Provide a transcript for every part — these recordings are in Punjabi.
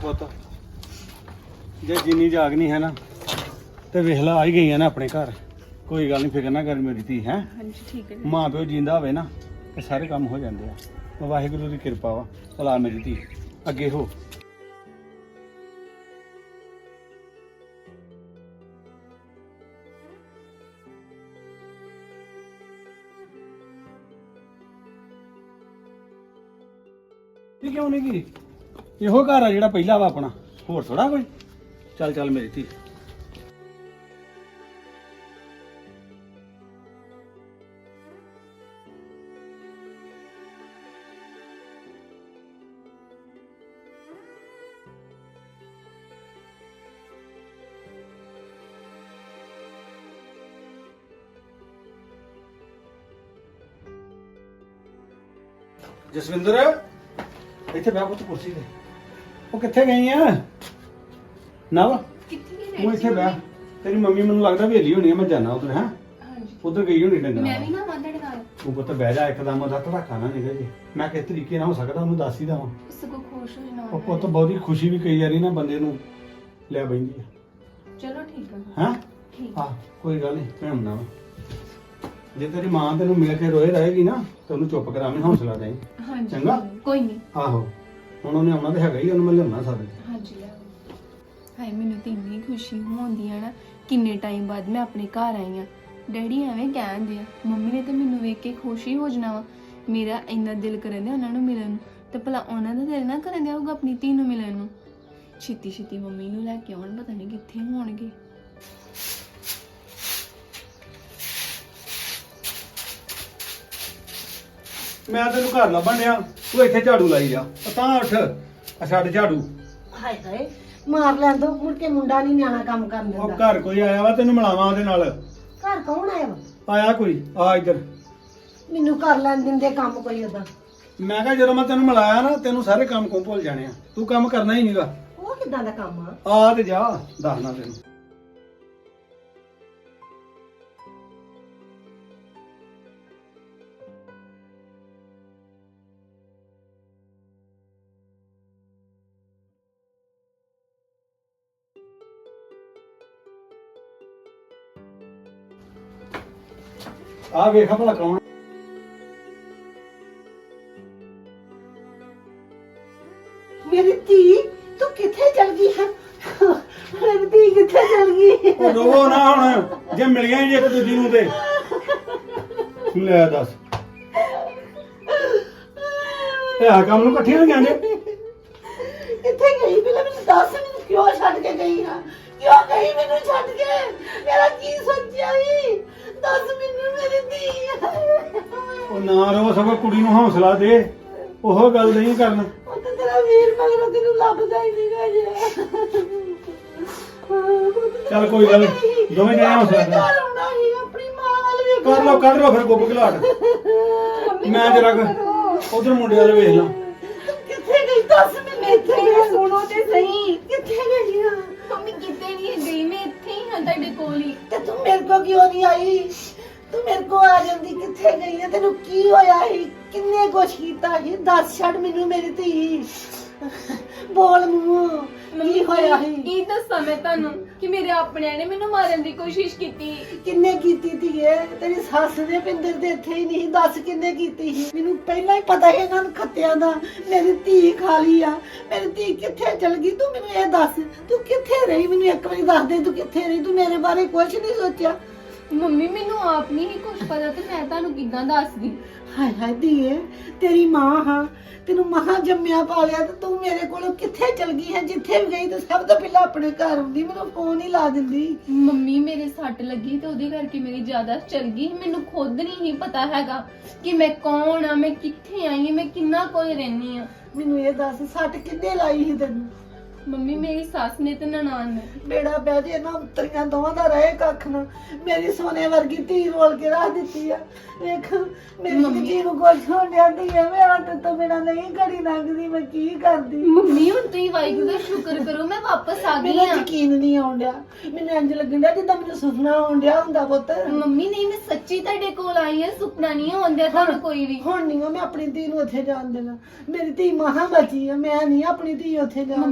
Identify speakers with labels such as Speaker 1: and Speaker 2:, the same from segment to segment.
Speaker 1: ਪੁੱਤ ਜੇ ਜਿੰਨੀ ਜਾਗਨੀ ਹੈ ਨਾ ਤੇ ਵੇਖ ਲਾ ਆ ਹੀ ਗਈਆਂ ਨਾ ਆਪਣੇ ਘਰ। ਕੋਈ ਗੱਲ ਨਹੀਂ, ਫਿਕਰ ਨਾ ਕਰ ਮੇਰੀ ਧੀ ਹੈ।
Speaker 2: ਹਾਂਜੀ ਠੀਕ ਹੈ।
Speaker 1: ਮਾਂ ਪਿਓ ਜਿੰਦਾ ਹੋਵੇ ਨਾ ਤੇ ਸਾਰੇ ਕੰਮ ਹੋ ਜਾਂਦੇ ਆ। ਵਾਹਿਗੁਰੂ ਦੀ ਕਿਰਪਾ ਵਾ। ਚਲਾ ਮੇਰੀ ਧੀ ਅੱਗੇ ਹੋ। ਇਹ ਕਿਉਂ ਨਹੀਂ ਗਈ? ਇਹੋ ਘਰ ਆ ਜਿਹੜਾ ਪਹਿਲਾ ਵਾ ਆਪਣਾ, ਹੋਰ ਥੋੜਾ ਕੋਈ। ਚੱਲ ਚੱਲ ਮੇਰੀ ਧੀ। ਜਸਵਿੰਦਰ ਇੱਥੇ ਬੈਠ ਪੁੱਤ ਕੁਰਸੀ ਤੇ। ਉਹ ਕਿੱਥੇ ਗਈ ਆ ਨਵ?
Speaker 2: ਕਿੱਥੇ ਗਏ?
Speaker 1: ਤੂੰ ਇੱਥੇ ਬੈਠ। ਤੇਰੀ ਮੰਮੀ ਮੈਨੂੰ ਲੱਗਦਾ ਵੇਲੀ ਹੋਣੀ ਆ, ਮੈਂ ਜਾਣਾ ਉਧਰ। ਹੈ
Speaker 2: ਹਾਂਜੀ
Speaker 1: ਉਧਰ ਗਈ ਹੋਣੀ ਡੰਗਰਾਂ
Speaker 2: ਮੈਂ ਵੀ ਨਾ ਤੁਹਾਡੇ ਨਾਲ।
Speaker 1: ਤੂੰ ਪੁੱਤ ਬਹਿ ਜਾ, ਇੱਕਦਮ ਉਹਦਾ ਧੜਾਕਾ ਨਾ ਨਿਕਲ ਜੇ। ਮੈਂ ਕਿਸ ਤਰੀਕੇ ਨਾਲ ਹੋ ਸਕਦਾ ਉਹਨੂੰ ਦੱਸ ਹੀ ਦਵਾਂ।
Speaker 2: ਸਗੋਂ ਖੁਸ਼ ਹੋ ਜਾਣਾ।
Speaker 1: ਉਹ ਪੁੱਤ ਬਹੁਤੀ ਖੁਸ਼ੀ ਵੀ ਕਈ ਵਾਰੀ ਨਾ ਬੰਦੇ ਨੂੰ ਲੈ ਬੈਂਦੀ ਆ।
Speaker 2: ਚਲੋ ਠੀਕ ਹੈ।
Speaker 1: ਹੈਂ
Speaker 2: ਠੀਕ
Speaker 1: ਹਾਂ ਕੋਈ ਗੱਲ ਨਹੀਂ, ਮੈਂ ਹੁੰਨਾ ਵਾ। ਜੇ ਤੇਰੀ ਮਾਂ ਤੈਨੂੰ ਮਿਲ ਕੇ ਰੋਏ ਰਹੇਗੀ ਨਾ ਤੇ ਉਹਨੂੰ ਚੁੱਪ ਕਰਾਵੇਂ, ਹੌਸਲਾ ਦੇ।
Speaker 2: ਹਾਂਜੀ
Speaker 1: ਚੰਗਾ?
Speaker 2: ਕੋਈ ਨਹੀਂ।
Speaker 1: ਆਹੋ ਹੁਣ ਉਹਨੇ ਆਉਣਾ ਤੇ ਹੈਗਾ ਹੀ, ਉਹਨੂੰ ਮੈਂ ਲਿਆਉਣਾ ਸਾਰੇ।
Speaker 2: ਹਾਂਜੀ ਲੈ ਆਓ। ਹਾਏ ਮੈਨੂੰ ਤੇ ਇੰਨੀ ਖੁਸ਼ੀ ਹੁੰਦੀ ਆ ਨਾ, ਕਿੰਨੇ ਟਾਈਮ ਬਾਅਦ ਮੈਂ ਆਪਣੇ ਘਰ ਆਈ ਆ। ਡੈਡੀ ਐਵੇਂ ਕਹਿੰਦੇ ਆ, ਮੰਮੀ ਨੇ ਤੇ ਮੈਨੂੰ ਵੇਖ ਕੇ ਖੁਸ਼ੀ ਹੋ ਜਾਣਾ ਵਾ। ਮੇਰਾ ਇੰਨਾ ਦਿਲ ਕਰਨ ਦਿਆ ਉਹਨਾਂ ਨੂੰ ਮਿਲਣ ਨੂੰ, ਤੇ ਭਲਾ ਉਹਨਾਂ ਦਾ ਦਿਲ ਨਾ ਕਰਨ ਦਿਆ ਹੋਊਗਾ ਆਪਣੀ ਧੀ ਨੂੰ ਮਿਲਣ ਨੂੰ। ਛੇਤੀ ਛੇਤੀ ਮੰਮੀ ਨੂੰ ਲੈ ਕੇ ਆਉਣ, ਪਤਾ ਨਹੀਂ ਕਿੱਥੇ ਹੋਣਗੇ।
Speaker 1: ਮੈਂ ਤੈਨੂੰ ਘਰ ਲੱਭਣ ਡਿਆ, ਤੂੰ ਇੱਥੇ ਝਾੜੂ ਲਾਈ ਜਾ। ਤਾਂ ਉੱਠ, ਆ ਛੱਡ ਝਾੜੂ।
Speaker 3: ਹਾਏ ਹਾਏ ਮਾਰ ਲੈਣ ਦੋ, ਮੁੜ ਕੇ ਮੁੰਡਾ ਨਹੀਂ ਨਿਆਣਾ ਕੰਮ ਕਰਨ
Speaker 1: ਉਹ
Speaker 3: ਦਿੰਦਾ।
Speaker 1: ਘਰ ਕੋਈ ਆਇਆ ਵਾ, ਤੈਨੂੰ ਮਿਲਾਵਾਂ ਉਹਦੇ ਨਾਲ।
Speaker 3: ਘਰ ਕੌਣ ਆਇਆ ਵਾ?
Speaker 1: ਆਇਆ ਕੋਈ, ਆ ਇੱਧਰ।
Speaker 3: ਮੈਨੂੰ ਕਰ ਲੈਣ ਦਿੰਦੇ ਕੰਮ ਕੋਈ ਉਹਦਾ।
Speaker 1: ਮੈਂ ਕਿਹਾ ਜਦੋਂ ਮੈਂ ਤੈਨੂੰ ਮਿਲਾਇਆ ਨਾ, ਤੈਨੂੰ ਸਾਰੇ ਕੰਮ ਕੋਲ ਭੁੱਲ ਜਾਣੇ ਆ। ਤੂੰ ਕੰਮ ਕਰਨਾ ਹੀ ਨਹੀਂਗਾ।
Speaker 3: ਉਹ ਕਿੱਦਾਂ ਦਾ ਕੰਮ ਆ?
Speaker 1: ਆ ਤੇ ਜਾ, ਦੱਸਣਾ ਤੈਨੂੰ। ਆ ਵੇਖ ਭਲਾ ਕੌਣ।
Speaker 3: ਮੇਰੀ ਧੀ ਤੂੰ ਕਿੱਥੇ ਚਲ ਗਈ ਹੈ? ਮੇਰੀ ਧੀ ਕਿੱਥੇ ਚਲ ਗਈ?
Speaker 1: ਉਹ ਰੋਵੋ ਨਾ ਹੁਣ, ਜੇ ਮਿਲੀਆਂ ਹੀ ਇੱਕ ਦੂਜੀ ਨੂੰ ਤੇ। ਲੈ ਦੱਸ, ਇਹ ਆ ਕੰਮ ਨੂੰ ਇਕੱਠੀਆਂ ਹੋ ਜਾਂਦੇ।
Speaker 3: ਕਿੱਥੇ ਗਈ? ਪਹਿਲਾਂ ਮੈਨੂੰ ਦੱਸ, ਮੈਨੂੰ ਕਿਉਂ ਛੱਡ ਕੇ ਗਈ ਹਾਂ? ਕਿਉਂ ਗਈ ਮੈਨੂੰ ਛੱਡ ਕੇ? ਮੇਰਾ ਕੀ ਸੋਚਿਆ ਸੀ? ਦੱਸ ਮੈਨੂੰ ਮੇਰੀ ਧੀ।
Speaker 1: ਉਹ ਨਾ ਰੋ, ਸਗੋਂ ਕੁੜੀ ਨੂੰ ਹੌਸਲਾ ਦੇ। ਉਹ ਗੱਲ ਨਹੀਂ ਕਰਨਾ।
Speaker 3: ਉਹ ਤਾਂ ਤੇਰਾ ਵੀਰ ਮਗਰੋਂ ਤੈਨੂੰ ਲੱਭਦਾ ਹੀ ਨਹੀਂ ਗਾ ਜੇ।
Speaker 1: ਚੱਲ ਕੋਈ ਗੱਲ ਨੀ, ਦੋਵੇਂ ਜਣੇ ਹੌਸਲਾ ਕਰ।
Speaker 3: ਘਰ ਆਉਣਾ ਸੀ, ਆਪਣੀ ਮਾਂ ਵੱਲ ਵੇਖ।
Speaker 1: ਕਰ ਲੋ ਕੱਢ ਲੋ ਫਿਰ ਗੁੱਬ ਘਲਾਟ। ਮੈਂ ਜਰਾ ਉਧਰ ਮੁੰਡੇ ਵਾਲੇ ਵੇਖ ਲਾਂ।
Speaker 3: ਤੂੰ ਕਿੱਥੇ ਗਈ? ਦੱਸ ਮੈਨੂੰ। ਇੱਥੇ ਗਈ? ਸੁਣੋ ਤੇ ਸਹੀ, ਕਿੱਥੇ ਗਈ ਆ?
Speaker 2: ਮੰਮੀ ਕਿਤੇ ਨਹੀਂ ਗਈ, ਮੈਂ ਇੱਥੇ ਹੀ ਹਾਂ ਤੁਹਾਡੇ ਕੋਲ ਹੀ।
Speaker 3: ਤੇ ਤੂੰ ਮੇਰੇ ਕੋ ਕਿਉਂ ਨਹੀਂ ਆਈ? ਤੂੰ ਮੇਰੇ ਕੋ ਆ ਜਾਂਦੀ। ਕਿੱਥੇ ਗਈ ਆ? ਤੈਨੂੰ ਕੀ ਹੋਇਆ ਸੀ? ਕਿੰਨੇ ਕੁਛ ਕੀਤਾ ਸੀ? ਦੱਸ ਛੱਡ ਮੈਨੂੰ ਮੇਰੀ ਧੀ। ਬੋਲ ਮੂੰਹ, ਕੀ ਹੋਇਆ ਸੀ?
Speaker 2: ਕੀ ਦੱਸਾਂ ਮੈਂ ਤੁਹਾਨੂੰ ਕਿ ਮੇਰੇ ਆਪਣਿਆਂ ਨੇ ਮੈਨੂੰ ਮਾਰਨ ਦੀ ਕੋਸ਼ਿਸ਼ ਕੀਤੀ।
Speaker 3: ਕਿੰਨੇ ਕੀਤੀ ਧੀਏ? ਤੇਰੀ ਸੱਸ ਨੇ ਪਿੰਦਰ ਦੇ ਇੱਥੇ ਹੀ ਨਹੀਂ। ਦੱਸ ਕਿੰਨੇ ਕੀਤੀ ਸੀ? ਮੈਨੂੰ ਪਹਿਲਾਂ ਹੀ ਪਤਾ ਸੀ ਇਹਨਾਂ ਨੂੰ ਖੱਤਿਆਂ ਦਾ। ਮੇਰੀ ਧੀ ਖਾ ਲਈ ਆ। ਮੇਰੀ ਧੀ ਕਿੱਥੇ ਚਲ ਗਈ? ਤੂੰ ਮੈਨੂੰ ਇਹ ਦੱਸ, ਤੂੰ ਕਿੱਥੇ ਰਹੀ? ਮੈਨੂੰ ਇੱਕ ਵਾਰੀ ਦੱਸ ਦੇ, ਤੂੰ ਕਿੱਥੇ ਰਹੀ? ਤੂੰ ਮੇਰੇ ਬਾਰੇ ਕੁਝ ਨਹੀਂ ਸੋਚਿਆ?
Speaker 2: ਮੰਮੀ ਮੈਨੂੰ ਆਪ ਨਹੀਂ ਹੀ ਕੁਝ ਪਤਾ, ਤੇ ਮੈਂ ਤੁਹਾਨੂੰ ਕਿੱਦਾਂ ਦੱਸਦੀ?
Speaker 3: ਹਾਏ ਹਾਏ ਧੀਏ, ਤੇਰੀ ਮਾਂ ਹਾਂ, ਤੈਨੂੰ ਮਹਾਂ ਜੰਮਿਆ ਪਾਲਿਆ, ਤੇ ਤੂੰ ਮੇਰੇ ਕੋਲੋਂ ਕਿੱਥੇ ਚਲ ਗਈ ਹੈ? ਜਿੱਥੇ ਵੀ ਗਈ ਤੇ ਸਭ ਤੋਂ ਪਹਿਲਾਂ ਆਪਣੇ ਘਰ ਆਉਂਦੀ, ਮੈਨੂੰ ਫੋਨ ਹੀ ਲਾ ਦਿੰਦੀ।
Speaker 2: ਮੰਮੀ ਮੇਰੇ ਸੱਟ ਲੱਗੀ ਤੇ ਉਹਦੇ ਕਰਕੇ ਮੇਰੀ ਜ਼ਿਆਦਾ ਚਲ ਗਈ। ਮੈਨੂੰ ਖੁਦ ਨਹੀਂ ਪਤਾ ਹੈਗਾ ਕਿ ਮੈਂ ਕੌਣ ਆ, ਮੈਂ ਕਿੱਥੇ ਆਈ ਹਾਂ, ਮੈਂ ਕਿੰਨਾ ਕੋਲ ਰਹਿੰਦੀ ਆ।
Speaker 3: ਮੈਨੂੰ ਇਹ ਦੱਸ, ਸੱਟ ਕਿੱਦੇ ਲਾਈ ਸੀ ਤੈਨੂੰ?
Speaker 2: ਮੰਮੀ ਮੇਰੀ ਸੱਸ ਨੇ ਤੇ ਨਨਾਣ ਨੇ।
Speaker 3: ਬੇੜਾ ਪੈ ਜੇ ਨਾ, ਉਤਰੀਆਂ ਦੋਵਾਂ ਦਾ ਰਹੇ ਕੱਖ ਨਾ। ਮੇਰੀ ਸੋਨੇ ਵਰਗੀ ਧੀ ਰੋਲ ਕੇ ਰੱਖ ਦਿੱਤੀ ਆ। ਵੇਖ ਮੇਰੀ ਧੀ ਨੂੰ ਕੁਛ ਹੋਣ ਡਿਆ ਧੀਏ, ਮੇਰਾ ਤੇ ਤੋਂ ਬਿਨਾਂ ਨਹੀਂ ਘੜੀ ਲੰਘਦੀ। ਮੈਂ ਕੀ ਕਰਦੀ?
Speaker 2: ਮੰਮੀ ਹੁਣ ਤੁਸੀਂ ਵਾਹਿਗੁਰੂ ਦਾ ਸ਼ੁਕਰ ਕਰੋ, ਮੈਂ ਵਾਪਸ ਆ ਗਈ
Speaker 3: ਮੈਨੂੰ
Speaker 2: ਆ।
Speaker 3: ਯਕੀਨ ਨਹੀਂ ਆਉਣ ਡਿਆ। ਮੈਨੂੰ ਇੰਜ ਲੱਗਣ ਡਿਆ ਜਿੱਦਾਂ ਮੈਨੂੰ ਸੁਪਨਾ ਆਉਣ ਡਿਆ ਹੁੰਦਾ ਪੁੱਤ।
Speaker 2: ਮੰਮੀ ਨਹੀਂ, ਮੈਂ ਸੱਚੀ ਤੁਹਾਡੇ ਕੋਲ ਆਈ ਆ, ਸੁਪਨਾ ਨਹੀਂ ਆਉਂਦਾ ਤੁਹਾਨੂੰ ਕੋਈ ਵੀ।
Speaker 3: ਹੁਣ ਨਹੀਂ ਮੈਂ ਆਪਣੀ ਧੀ ਨੂੰ ਉੱਥੇ ਜਾਣ ਦੇਣਾ। ਮੇਰੀ ਧੀ ਮਹਾਂ ਬਚੀ ਆ, ਮੈਂ ਨਹੀਂ ਆਪਣੀ ਧੀ ਉੱਥੇ ਜਾਣ
Speaker 2: ਮੰਮੀ
Speaker 3: ਦੇਣੀ।
Speaker 2: ਮੈਂ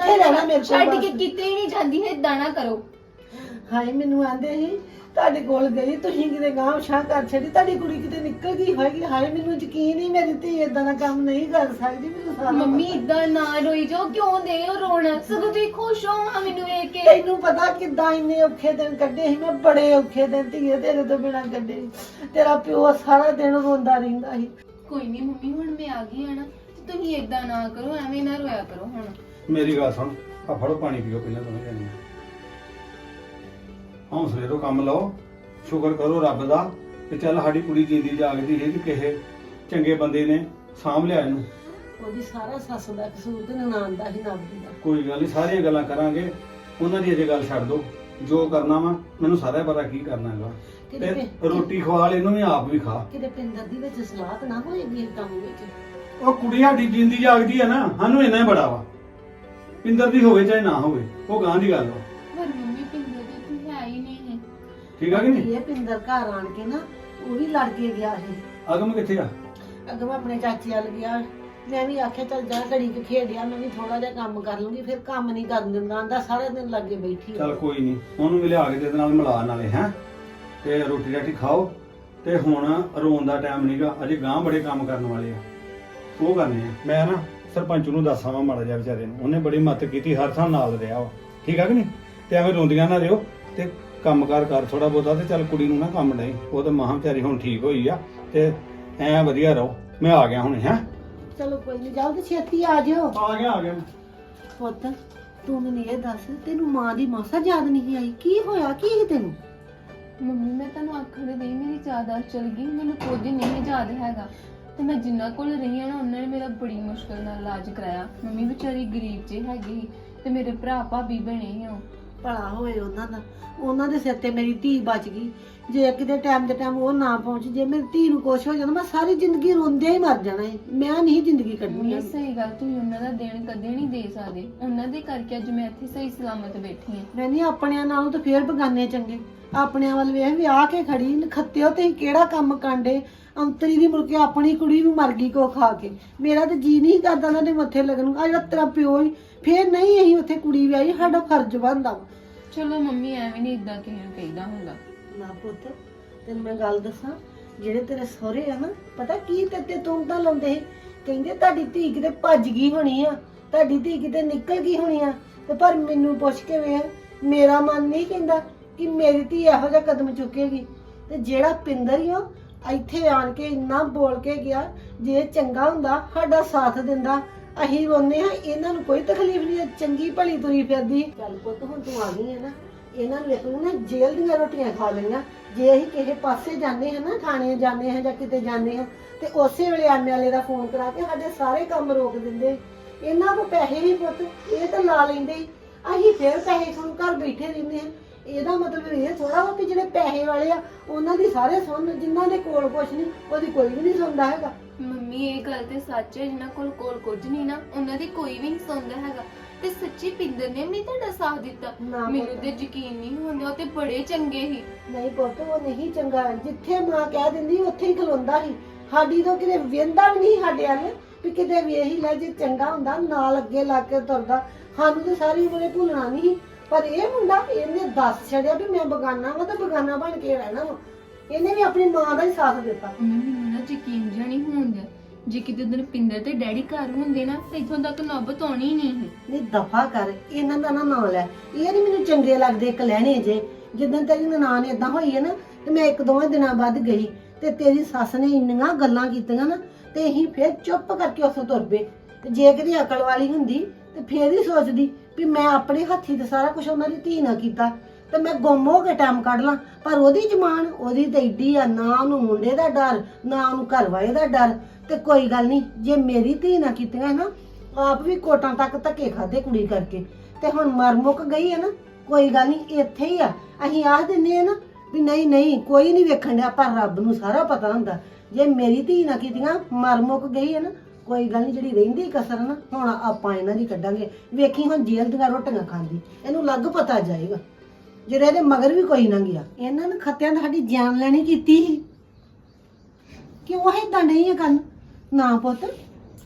Speaker 3: ਕਿੱਥੇ ਰਹਿਣਾ ਮੇਰੇ ਕੋਲ
Speaker 2: ਛੱਡ ਕੇ
Speaker 3: ਬਸ।
Speaker 2: ਕਿਤੇ ਹੀ ਨਹੀਂ ਜਾਂਦੀ ਹੈ, ਏਦਾਂ ਨਾ ਕਰੋ।
Speaker 3: ਹਾਏ ਮੈਨੂੰ ਆਂਦੇ ਸੀ ਤੁਹਾਡੇ ਕੋਲ ਗਈ, ਤੁਸੀਂ ਕਿਤੇ ਗਾਂਵ ਸ਼ਾਹ ਕਰ ਛੱਡੀ, ਤੁਹਾਡੀ ਕੁੜੀ ਕਿਤੇ ਨਿਕਲ ਗਈ ਹੋਏਗੀ। ਹਾਏ ਮੈਨੂੰ ਯਕੀਨ ਹੀ ਮੇਰੀ ਧੀ ਏਦਾਂ ਦਾ ਕੰਮ ਨਹੀਂ ਕਰ ਸਕਦੀ, ਮੈਨੂੰ ਸਾਰਾ
Speaker 2: ਮੰਮੀ
Speaker 3: ਪਤਾ।
Speaker 2: ਇਦਾਂ ਨਾ ਰੋਈ ਜਾਓ, ਕਿਉਂ ਦੇ ਹੋ ਰੋਣਾ? ਸਗੋਂ ਤੁਸੀਂ ਖੁਸ਼ ਹੋ ਹਾਂ ਮੈਨੂੰ ਵੇਖ ਕੇ।
Speaker 3: ਤੈਨੂੰ ਪਤਾ ਕਿੱਦਾਂ ਇੰਨੇ ਔਖੇ ਦਿਨ ਕੱਢੇ ਸੀ ਮੈਂ, ਬੜੇ ਔਖੇ ਦਿਨ ਧੀਏ ਤੇਰੇ ਤੋਂ ਬਿਨਾਂ ਕੱਢੇ। ਤੇਰਾ ਪਿਓ ਸਾਰਾ ਦਿਨ ਰੋਂਦਾ ਰਹਿੰਦਾ ਸੀ।
Speaker 2: ਕੋਈ ਨਹੀਂ ਮੰਮੀ, ਹੁਣ ਮੈਂ ਆ ਗਈ ਆ ਨਾ, ਤੇ ਤੁਸੀਂ ਇਦਾਂ ਨਾ ਕਰੋ, ਐਵੇਂ ਨਾ ਰੋਇਆ ਕਰੋ ਹੁਣ।
Speaker 1: ਮੇਰੀ ਗੱਲ ਸੁਣ, ਆ ਫੜੋ ਪਾਣੀ ਪੀਓ ਪਹਿਲਾਂ ਦੋਵੇਂ ਜਾਣੀਆਂ। ਹੌਸਲੇ ਤੋਂ ਕੰਮ ਲਓ, ਸ਼ੁਕਰ ਕਰੋ ਰੱਬ ਦਾ ਕਿ ਚੱਲ ਸਾਡੀ ਕੁੜੀ ਜਿੰਦੀ ਜਾਗਦੀ ਹੈ ਕਿ ਕਿਸੇ ਚੰਗੇ ਬੰਦੇ ਨੇ ਸਾਂਭ ਲਿਆ ਇਹਨੂੰ।
Speaker 3: ਉਹਦੀ ਸਾਰਾ ਸੱਸ ਦਾ ਕਸੂਰ ਤੇ ਨਨਾਣ ਦਾ ਹੀ ਨਬਦੀ ਦਾ।
Speaker 1: ਕੋਈ ਗੱਲ ਨਹੀਂ, ਸਾਰੀਆਂ ਗੱਲਾਂ ਕਰਾਂਗੇ, ਉਹਨਾਂ ਦੀ ਅਜੇ ਗੱਲ ਛੱਡ ਦੋ। ਜੋ ਕਰਨਾ ਵਾ ਮੈਨੂੰ ਸਾਰਾ ਪਤਾ ਕੀ ਕਰਨਾ ਹੈਗਾ। ਤੇ ਰੋਟੀ ਖਵਾ ਲੈ ਇਹਨੂੰ ਵੀ, ਆਪ ਵੀ ਖਾ।
Speaker 3: ਕਿਤੇ ਪਿੰਦਰ ਦੀ ਵਿੱਚ ਸਲਾਹ ਤਾਂ ਨਾ ਹੋਏਗੀ ਇਸ ਕੰਮ ਵਿੱਚ।
Speaker 1: ਉਹ ਕੁੜੀ ਸਾਡੀ ਜਿੰਦੀ ਜਾਗਦੀ ਹੈ ਨਾ, ਸਾਨੂੰ ਇੰਨਾ ਹੀ ਬੜਾ ਵਾ। ਪਿੰਦਰ ਦੀ ਹੋਵੇ ਚਾਹੇ ਨਾ ਹੋਵੇ, ਉਹ ਗਾਂ ਦੀ ਗੱਲ ਵਾ।
Speaker 2: ਪਰ ਮੰਮੀ ਪਿੰਦਰ ਦੀ ਕੋਈ ਹੈ ਹੀ ਨਹੀਂ ਹੈ।
Speaker 1: ਠੀਕ ਆ ਕਿ ਨਹੀਂ?
Speaker 3: ਇਹ ਪਿੰਦਰ ਘਰ ਆਣ ਕੇ ਨਾ ਉਹ ਵੀ ਲੜ ਕੇ ਗਿਆ ਸੀ।
Speaker 1: ਅਗਮ ਕਿੱਥੇ ਆ?
Speaker 3: ਅੱਗੋਂ ਆਪਣੇ ਚਾਚੇ ਵੱਲ ਗਿਆ। ਮੈਂ ਵੀ ਆਖਿਆ ਚੱਲ ਜਾ ਘੜੀ ਕੁ ਖੇਡਿਆ, ਮੈਂ ਵੀ ਥੋੜਾ ਜਿਹਾ ਕੰਮ ਕਰ ਲੂੰਗੀ। ਫਿਰ ਕੰਮ ਨਹੀਂ ਕਰਨ ਦਿੰਦਾ, ਆਂਦਾ ਸਾਰਾ ਦਿਨ ਲੱਗੇ ਬੈਠੀ ਆ।
Speaker 1: ਚੱਲ ਕੋਈ ਨਹੀਂ, ਉਹਨੂੰ ਵੀ ਲਿਆ ਕੇ ਤੇ ਨਾਲ ਮਿਲਾ ਨਾਲੇ ਹੈ, ਤੇ ਰੋਟੀ ਰਾਟੀ ਖਾਓ। ਤੇ ਹੁਣ ਰੋਣ ਦਾ ਟਾਈਮ ਨਹੀਂਗਾ, ਅਜੇ ਗਾਂ ਬੜੇ ਕੰਮ ਕਰਨ ਵਾਲੇ ਆ, ਉਹ ਕਰਨੇ ਆ। ਮੈਂ ਨਾ ਸਰਪੰਚ ਨੂੰ ਦੱਸਾਂ ਵਾ ਮਾੜਾ ਜਿਹਾ ਵਿਚਾਰੇ ਨੂੰ, ਉਹਨੇ ਬੜੀ ਮਦਦ ਕੀਤੀ, ਹਰ ਥਾਂ ਨਾਲ ਰਿਹਾ ਵਾ। ਠੀਕ ਆ ਕਿ ਨਹੀਂ? ਤੇ ਐਵੇਂ ਰੋਂਦੀਆਂ ਨਾ ਰਿਓ, ਤੇ ਕੰਮਕਾਰ ਕਰ ਥੋੜਾ ਬਹੁਤਾ। ਤੇ ਚੱਲ ਕੁੜੀ ਨੂੰ ਨਾ ਕੰਮ ਨਹੀਂ, ਉਹ ਤਾਂ ਮਹਾਂ ਵਿਚਾਰੀ ਹੁਣ ਠੀਕ ਹੋਈ ਆ, ਤੇ ਐ ਵਧੀਆ ਰਹੋ। ਮੈਂ ਆ ਗਿਆ ਹੁਣੇ। ਹੈ
Speaker 3: ਚਲੋ ਕੋਈ ਨਹੀਂ, ਜਾਓ ਤੇ ਛੇਤੀ ਆ ਜਿਓ।
Speaker 1: ਆ ਗਿਆ।
Speaker 3: ਪੁੱਤ ਤੂੰ ਮੈਨੂੰ ਇਹ ਦੱਸ, ਤੈਨੂੰ ਮਾਂ ਦੀ ਮਾਸਾ ਯਾਦ ਨਹੀਂ ਆਈ? ਕੀ ਹੋਇਆ, ਕੀ ਸੀ ਤੈਨੂੰ?
Speaker 2: ਮੰਮੀ ਮੈਂ ਤੁਹਾਨੂੰ ਆਖਣ ਦੇ ਮੇਰੀ ਜ਼ਿਆਦਾ ਚਲ ਗਈ, ਮੈਨੂੰ ਕੁਝ ਨਹੀਂ ਯਾਦ ਹੈਗਾ। ਤੇ ਮੈਂ ਜਿੰਨਾ ਕੋਲ ਰਹੀ ਆ ਨਾ, ਉਹਨਾਂ ਨੇ ਮੇਰਾ ਬੜੀ ਮੁਸ਼ਕਲ ਨਾਲ ਇਲਾਜ ਕਰਾਇਆ। ਮੰਮੀ ਵਿਚਾਰੀ ਗਰੀਬ ਜਿਹੀ ਹੈਗੀ ਸੀ, ਤੇ ਮੇਰੇ ਭਰਾ ਭਾਬੀ ਬਣੇ ਸੀ ਉਹ।
Speaker 3: ਭਲਾ ਹੋਏ ਉਹਨਾਂ ਦਾ, ਉਹਨਾਂ ਦੇ ਸਿਰ ਤੇ ਮੇਰੀ ਧੀ ਬਚ ਗਈ। ਜੇ ਕਿਤੇ ਟਾਈਮ ਦੇ ਟਾਈਮ ਉਹ ਨਾ ਪਹੁੰਚ, ਜੇ ਮੇਰੀ ਧੀ ਨੂੰ ਕੁਛ ਹੋ ਜਾਂਦਾ, ਮੈਂ ਸਾਰੀ ਜ਼ਿੰਦਗੀ ਰੋਂਦਿਆਂ ਹੀ ਮਰ ਜਾਣਾ ਹੈ। ਮੈਂ ਨਹੀਂ ਜ਼ਿੰਦਗੀ ਕੱਢਣੀ
Speaker 2: ਮੰਮੀ
Speaker 3: ਹੈ।
Speaker 2: ਸਹੀ ਗੱਲ, ਤੁਸੀਂ ਉਹਨਾਂ ਦਾ ਦੇਣ ਕਦੇ ਨਹੀਂ ਦੇ ਸਕਦੇ। ਉਹਨਾਂ ਦੇ ਕਰਕੇ ਅੱਜ ਮੈਂ ਇੱਥੇ ਸਹੀ ਸਲਾਮਤ ਬੈਠੀ ਹਾਂ।
Speaker 3: ਮੈਂ ਨਹੀਂ, ਆਪਣਿਆਂ ਨਾਲੋਂ ਤਾਂ ਫੇਰ ਬਗਾਨੇ ਚੰਗੇ। ਆਪਣਿਆਂ ਵੱਲ ਵੇਖ, ਵਿਆਹ ਕੇ ਖੜੀ ਨਖੱਤਿਓ, ਤੇ ਕਿਹੜਾ ਕੰਮ ਕਾਂਡੇ। ਅੰਤਰੀ ਦੀ ਮੁੜ ਕੇ ਆਪਣੀ ਕੁੜੀ ਨੂੰ ਮਰ ਗਈ ਕੋ ਖਾ ਕੇ। ਮੇਰਾ ਤਾਂ ਜੀ ਨਹੀਂ ਕਰਦਾ ਉਹਨਾਂ ਦੇ ਮੱਥੇ ਲੱਗਣ ਨੂੰ। ਆ ਜਿਹੜਾ ਤੇਰਾ ਪਿਓ ਹੀ ਫੇਰ ਨਹੀਂ, ਅਸੀਂ ਉੱਥੇ ਕੁੜੀ ਵਿਆਹੀ, ਸਾਡਾ ਫਰਜ਼ ਬਣਦਾ ਵਾ।
Speaker 2: ਚਲੋ ਮੰਮੀ ਐਵੇਂ ਨਹੀਂ ਇਦਾਂ ਕਿਸੇ ਨੂੰ ਕਹੀਦਾ ਹੁੰਦਾ।
Speaker 3: ਨਾ ਪੁੱਤ, ਤੈਨੂੰ ਮੈਂ ਗੱਲ ਦੱਸਾਂ, ਜਿਹੜੇ ਤੇਰੇ ਸਹੁਰੇ ਆ ਨਾ, ਪਤਾ ਕੀ ਤੇ ਤੂੰ ਤਾਂ ਲਾਉਂਦੇ ਸੀ, ਕਹਿੰਦੇ ਤੁਹਾਡੀ ਧੀ ਕਿਤੇ ਭੱਜ ਗਈ ਹੋਣੀ ਆ, ਤੁਹਾਡੀ ਧੀ ਕਿਤੇ ਨਿਕਲ ਗਈ ਹੋਣੀ ਆ। ਤੇ ਪਰ ਮੈਨੂੰ ਪੁੱਛ ਕੇ ਵੇਖ, ਮੇਰਾ ਮਨ ਨਹੀਂ ਕਹਿੰਦਾ ਕਿ ਮੇਰੀ ਧੀ ਇਹੋ ਜਿਹਾ ਕਦਮ ਚੁੱਕੇਗੀ। ਤੇ ਜਿਹੜਾ ਪਿੰਦਰ ਹੀ ਉਹ ਇੱਥੇ ਆਣ ਕੇ ਇੰਨਾ ਬੋਲ ਕੇ ਗਿਆ, ਜੇ ਚੰਗਾ ਹੁੰਦਾ ਸਾਡਾ ਸਾਥ ਦਿੰਦਾ, ਅਸੀਂ ਰੋਨੇ ਆ, ਇਹਨਾਂ ਨੂੰ ਕੋਈ ਤਕਲੀਫ ਨਹੀਂ, ਚੰਗੀ ਭਲੀ ਤੁਰੀ ਫਿਰਦੀ। ਚੱਲ ਪੁੱਤ ਹੁਣ ਤੂੰ ਆ ਗਈ ਹੈ ਨਾ, ਇਹਨਾਂ ਨੂੰ ਇੱਕ ਨੂੰ ਨਾ ਜੇਲ੍ਹ ਦੀਆਂ ਰੋਟੀਆਂ ਖਾ ਲਈਆਂ। ਜੇ ਅਸੀਂ ਕਿਸੇ ਪਾਸੇ ਜਾਂਦੇ ਹਾਂ ਨਾ, ਥਾਣੇ ਜਾਂਦੇ ਹਾਂ ਜਾਂ ਕਿਤੇ ਜਾਂਦੇ ਹਾਂ, ਤੇ ਉਸੇ ਵੇਲੇ ਐਮਐਲਏ ਦਾ ਫੋਨ ਕਰਾ ਕੇ ਸਾਡੇ ਸਾਰੇ ਕੰਮ ਰੋਕ ਦਿੰਦੇ। ਇਹਨਾਂ ਕੋਲ ਪੈਸੇ ਹੀ ਪੁੱਤ ਇਹ ਤਾਂ ਲਾ ਲੈਂਦੇ ਹੀ, ਅਸੀਂ ਫਿਰ ਪੈਸੇ ਸੁਣ ਘਰ ਬੈਠੇ ਰਹਿੰਦੇ ਹਾਂ। ਇਹਦਾ ਮਤਲਬ ਇਹ ਥੋੜਾ ਵਾ ਕਿ ਜਿਹੜੇ ਪੈਸੇ ਵਾਲੇ ਆ ਉਹਨਾਂ ਦੀ ਸਾਰੇ ਸੁਣ, ਜਿਨ੍ਹਾਂ ਦੇ ਕੋਲ ਕੁਛ ਨਹੀਂ ਉਹਦੀ ਕੋਈ ਵੀ ਨਹੀਂ ਸੁਣਦਾ ਹੈਗਾ।
Speaker 2: ਮੰਮੀ ਇਹ ਗੱਲ ਤੇ ਸੱਚ ਹੈ, ਜਿਨ੍ਹਾਂ ਕੋਲ ਕੁਝ ਨਹੀਂ ਨਾ, ਉਹਨਾਂ ਦੀ ਕੋਈ ਵੀ ਨਹੀਂ ਸੁਣਦਾ ਹੈਗਾ। ਤੇ ਸੱਚੀ ਪਿੰਦਰ ਨੇ ਵੀ ਤੁਹਾਡਾ ਸਾਥ ਦਿੱਤਾ,
Speaker 3: ਨਾ ਪੁੱਤ।
Speaker 2: ਮੈਨੂੰ ਤੇ ਯਕੀਨ ਨਹੀਂ ਹੁੰਦਾ। ਉਹ ਤੇ ਬੜੇ ਚੰਗੇ ਸੀ।
Speaker 3: ਨਹੀਂ ਪੁੱਤ, ਉਹ ਨਹੀਂ ਚੰਗਾ। ਜਿੱਥੇ ਮਾਂ ਕਹਿ ਦਿੰਦੀ ਉੱਥੇ ਹੀ ਖਲੋਂਦਾ ਸੀ। ਸਾਡੀ ਤੋਂ ਕਿਤੇ ਵੇਂਦਾ ਵੀ ਨਹੀਂ ਸਾਡੇ ਵੱਲ ਵੀ ਕਿਤੇ ਵੇਖ ਹੀ ਲੈ, ਜੇ ਚੰਗਾ ਹੁੰਦਾ ਨਾਲ ਅੱਗੇ ਲੱਗ ਕੇ ਤੁਰਦਾ। ਸਾਨੂੰ ਤੇ ਸਾਰੀ ਉਮਰੇ ਭੁੱਲਣਾ ਨਹੀਂ। ਪਰ ਇਹ ਮੁੰਡਾ, ਇਹਨੇ ਦੱਸ ਛੜਿਆ ਵੀ ਮੈਂ ਬਗਾਨਾ ਵਾ ਤੇ ਬਗਾਨਾ ਬਣ ਕੇ ਰਹਿਣਾ ਵਾ। ਇਹਨੇ ਵੀ ਆਪਣੀ ਮਾਂ ਦਾ ਹੀ ਸਾਥ ਦਿੱਤਾ।
Speaker 2: ਮੈਨੂੰ ਨਾ ਯਕੀਨ ਜਿਹਾ ਨਹੀਂ ਹੁੰਦਾ, ਜੇ ਕਿਤੇ ਦਿਨ ਪਿੰਦਰ ਤੇ ਡੈਡੀ ਘਰ ਹੁੰਦੇ ਨਾ, ਤਾਂ ਇੱਥੋਂ ਤੱਕ ਨੌਬਤ ਆਉਣੀ ਨਹੀਂ ਸੀ।
Speaker 3: ਨਹੀਂ ਦਫਾ ਕਰ, ਇਹਨਾਂ ਦਾ ਨਾ ਨਾਂ ਲੈ। ਇਹ ਨਹੀਂ ਮੈਨੂੰ ਚੰਗੇ ਲੱਗਦੇ ਇੱਕ ਲੈਣੇ ਜੇ। ਜਿੱਦਾਂ ਤੇਰੀ ਨਨਾਣ ਏਦਾਂ ਹੋਈ ਹੈ ਨਾ, ਤੇ ਮੈਂ ਇੱਕ ਦੋਵੇਂ ਦਿਨਾਂ ਬਾਅਦ ਗਈ, ਤੇ ਤੇਰੀ ਸੱਸ ਨੇ ਇੰਨੀਆਂ ਗੱਲਾਂ ਕੀਤੀਆਂ ਨਾ, ਤੇ ਅਸੀਂ ਫਿਰ ਚੁੱਪ ਕਰਕੇ ਉੱਥੋਂ ਤੁਰ ਪਏ। ਤੇ ਜੇ ਕਿਤੇ ਅਕਲ ਵਾਲੀ ਹੁੰਦੀ ਤੇ ਫੇਰ ਹੀ ਸੋਚਦੀ ਵੀ ਮੈਂ ਆਪਣੇ ਹੱਥੀ ਤੇ ਸਾਰਾ ਕੁਝ ਉਹਨਾਂ ਦੀ ਧੀ ਨਾਲ ਕੀਤਾ, ਤੇ ਮੈਂ ਗੁੰਮ ਹੋ ਕੇ ਟਾਈਮ ਕੱਢ ਲਾਂ। ਪਰ ਉਹਦੀ ਜ਼ਮਾਨ, ਉਹਦੀ ਤੇ ਏਡੀ ਆ, ਨਾ ਉਹਨੂੰ ਮੁੰਡੇ ਦਾ ਡਰ, ਨਾ ਉਹਨੂੰ ਘਰ ਵਾਲੇ ਦਾ ਡਰ। ਤੇ ਕੋਈ ਗੱਲ ਨਹੀਂ, ਜੇ ਮੇਰੀ ਧੀ ਨਾ ਕੀਤੀਆਂ ਨਾ, ਆਪ ਵੀ ਕੋਟਾਂ ਤੱਕ ਧੱਕੇ ਖਾਦੇ ਕੁੜੀ ਕਰਕੇ, ਤੇ ਹੁਣ ਮਰ ਮੁੱਕ ਗਈ ਹੈ ਨਾ, ਕੋਈ ਗੱਲ ਨਹੀਂ, ਇੱਥੇ ਹੀ ਆ। ਅਸੀਂ ਆਖ ਦਿੰਦੇ ਆ ਨਾ ਵੀ ਨਹੀਂ ਨਹੀਂ ਕੋਈ ਨਹੀਂ ਵੇਖਣ ਡਿਆ, ਪਰ ਰੱਬ ਨੂੰ ਸਾਰਾ ਪਤਾ ਹੁੰਦਾ। ਜੇ ਮੇਰੀ ਧੀ ਨਾ ਕੀਤੀਆਂ, ਮਰ ਮੁੱਕ ਗਈ ਹੈ ਨਾ, ਕੋਈ ਗੱਲ ਨਹੀਂ, ਜਿਹੜੀ ਰਹਿੰਦੀ ਕਸਰ ਨਾ ਹੁਣ ਆਪਾਂ ਇਹਨਾਂ ਦੀ ਕੱਢਾਂਗੇ। ਵੇਖੀ ਹੁਣ ਜੇਲ੍ਹ ਦੀਆਂ ਰੋਟੀਆਂ ਖਾਂਦੀ, ਇਹਨੂੰ ਲੱਗ ਪਤਾ ਜਾਏਗਾ। ਜਿਹੜੇ ਇਹਦੇ ਮਗਰ ਵੀ ਕੋਈ ਨਾ ਗਿਆ। ਇਹਨਾਂ ਨੇ ਖੱਤਿਆਂ ਨੇ ਸਾਡੀ ਜਾਨ ਲੈਣੀ ਕੀਤੀ ਸੀ। ਕਿਉਂ ਏਦਾਂ ਨਹੀਂ ਹੈ ਗੱਲ? ਨਾ ਪੁੱਤ,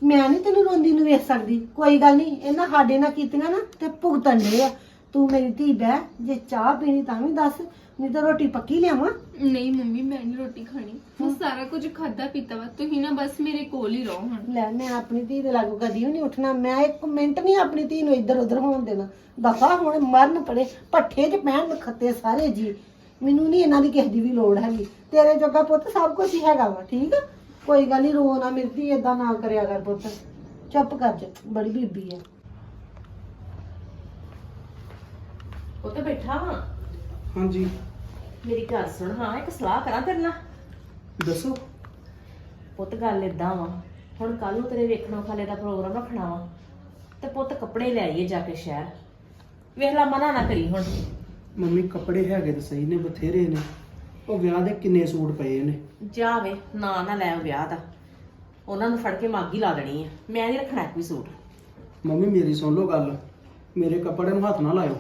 Speaker 3: ਮੈਂ ਨਹੀਂ ਤੈਨੂੰ ਰੋਂਦੀ ਨੂੰ ਵੇਖ ਸਕਦੀ। ਕੋਈ ਗੱਲ ਨਹੀਂ, ਇਹਨਾਂ ਸਾਡੇ ਨਾਲ ਕੀਤੀਆਂ ਨਾ ਤੇ ਭੁਗਤਣ ਦੇ ਆ। ਤੂੰ ਮੇਰੀ ਧੀ ਬਹਿ, ਜੇ ਚਾਹ ਪੀਣੀ ਤਾਂ ਵੀ ਦੱਸ, ਨਹੀਂ ਤਾਂ ਰੋਟੀ ਪੱਕੀ ਲਿਆਵਾਂ।
Speaker 2: ਨਹੀਂ ਮੰਮੀ, ਮੈਂ ਨਹੀਂ ਰੋਟੀ ਖਾਣੀ। ਮੈਂ ਸਾਰਾ ਕੁਝ ਖਾਦਾ ਪੀਤਾ ਵਾ, ਤੁਸੀਂ ਨਾ ਬਸ ਮੇਰੇ ਕੋਲ ਹੀ ਰਹੋ ਹੁਣ।
Speaker 3: ਲੈ, ਮੈਂ ਆਪਣੀ ਧੀ ਦੇ ਲਾਗੂ ਕਦੀ ਵੀ ਨਹੀਂ ਉੱਠਣਾ। ਮੈਂ ਇੱਕ ਮਿੰਟ ਨਹੀਂ ਆਪਣੀ ਧੀ ਨੂੰ ਇੱਧਰ ਉੱਧਰ ਹੋਣ ਦੇਣਾ। ਦਫਾ ਹੁਣ ਮਰਨ ਪੜੇ, ਪੱਠੇ 'ਚ ਪੈਣ ਖੱਤੇ ਸਾਰੇ ਜੀ। ਮੈਨੂੰ ਨਹੀਂ ਇਹਨਾਂ ਦੀ ਕਿਸੇ ਦੀ ਵੀ ਲੋੜ ਹੈਗੀ। ਤੇਰੇ ਜੋਗਾ ਪੁੱਤ ਸਭ ਕੁਝ ਹੀ ਹੈਗਾ ਵਾ, ਠੀਕ ਆ? ਕੋਈ ਗੱਲ ਨਹੀਂ, ਰੋ ਨਾ ਮੇਰੀ ਧੀ, ਏਦਾਂ ਨਾ ਕਰਿਆ ਕਰ ਪੁੱਤ। ਚੁੱਪ ਕਰ ਜਾ, ਬੜੀ ਬੀਬੀ ਆ।
Speaker 4: ਉਹ ਤਾਂ ਬੈਠਾ ਹਾਂ।
Speaker 1: ਹਾਂਜੀ
Speaker 4: ਮੇਰੀ ਗੱਲ ਸੁਣ, ਹਾਂ ਇੱਕ ਸਲਾਹ ਕਰਾਂ ਤੇਰੇ ਨਾਲ।
Speaker 1: ਦੱਸੋ।
Speaker 4: ਪੁੱਤ ਗੱਲ ਏਦਾਂ ਵਾ, ਹੁਣ ਕੱਲ ਨੂੰ ਤੇਰੇ ਵੇਖਣੋਂ ਖਾਲੇ ਦਾ ਪ੍ਰੋਗਰਾਮ ਰੱਖਣਾ ਵਾ, ਤੇ ਪੁੱਤ ਕੱਪੜੇ ਲੈ ਆਈਏ ਜਾ ਕੇ ਸ਼ਹਿਰ। ਵੇਖ ਲਾ, ਮਨਾ ਨਾ ਕਰੀ ਹੁਣ।
Speaker 5: ਮੰਮੀ ਕੱਪੜੇ ਹੈਗੇ ਤਾਂ ਸਹੀ ਨੇ, ਬਥੇਰੇ ਨੇ। ਉਹ ਵਿਆਹ ਦੇ ਕਿੰਨੇ ਸੂਟ ਪਏ ਨੇ।
Speaker 4: ਜਾ ਵੇ, ਨਾ ਲੈ ਉਹ ਵਿਆਹ ਦਾ, ਉਹਨਾਂ ਨੂੰ ਫੜ ਕੇ ਮੱਗ ਹੀ ਲਾ ਦੇਣੀ ਆ। ਮੈਂ ਨਹੀਂ ਰੱਖਣਾ ਕੋਈ ਸੂਟ।
Speaker 5: ਮੰਮੀ ਮੇਰੀ ਸੁਣ ਲਓ ਗੱਲ, ਮੇਰੇ ਕੱਪੜੇ ਨੂੰ ਹੱਥ ਨਾ ਲਾਇਓ।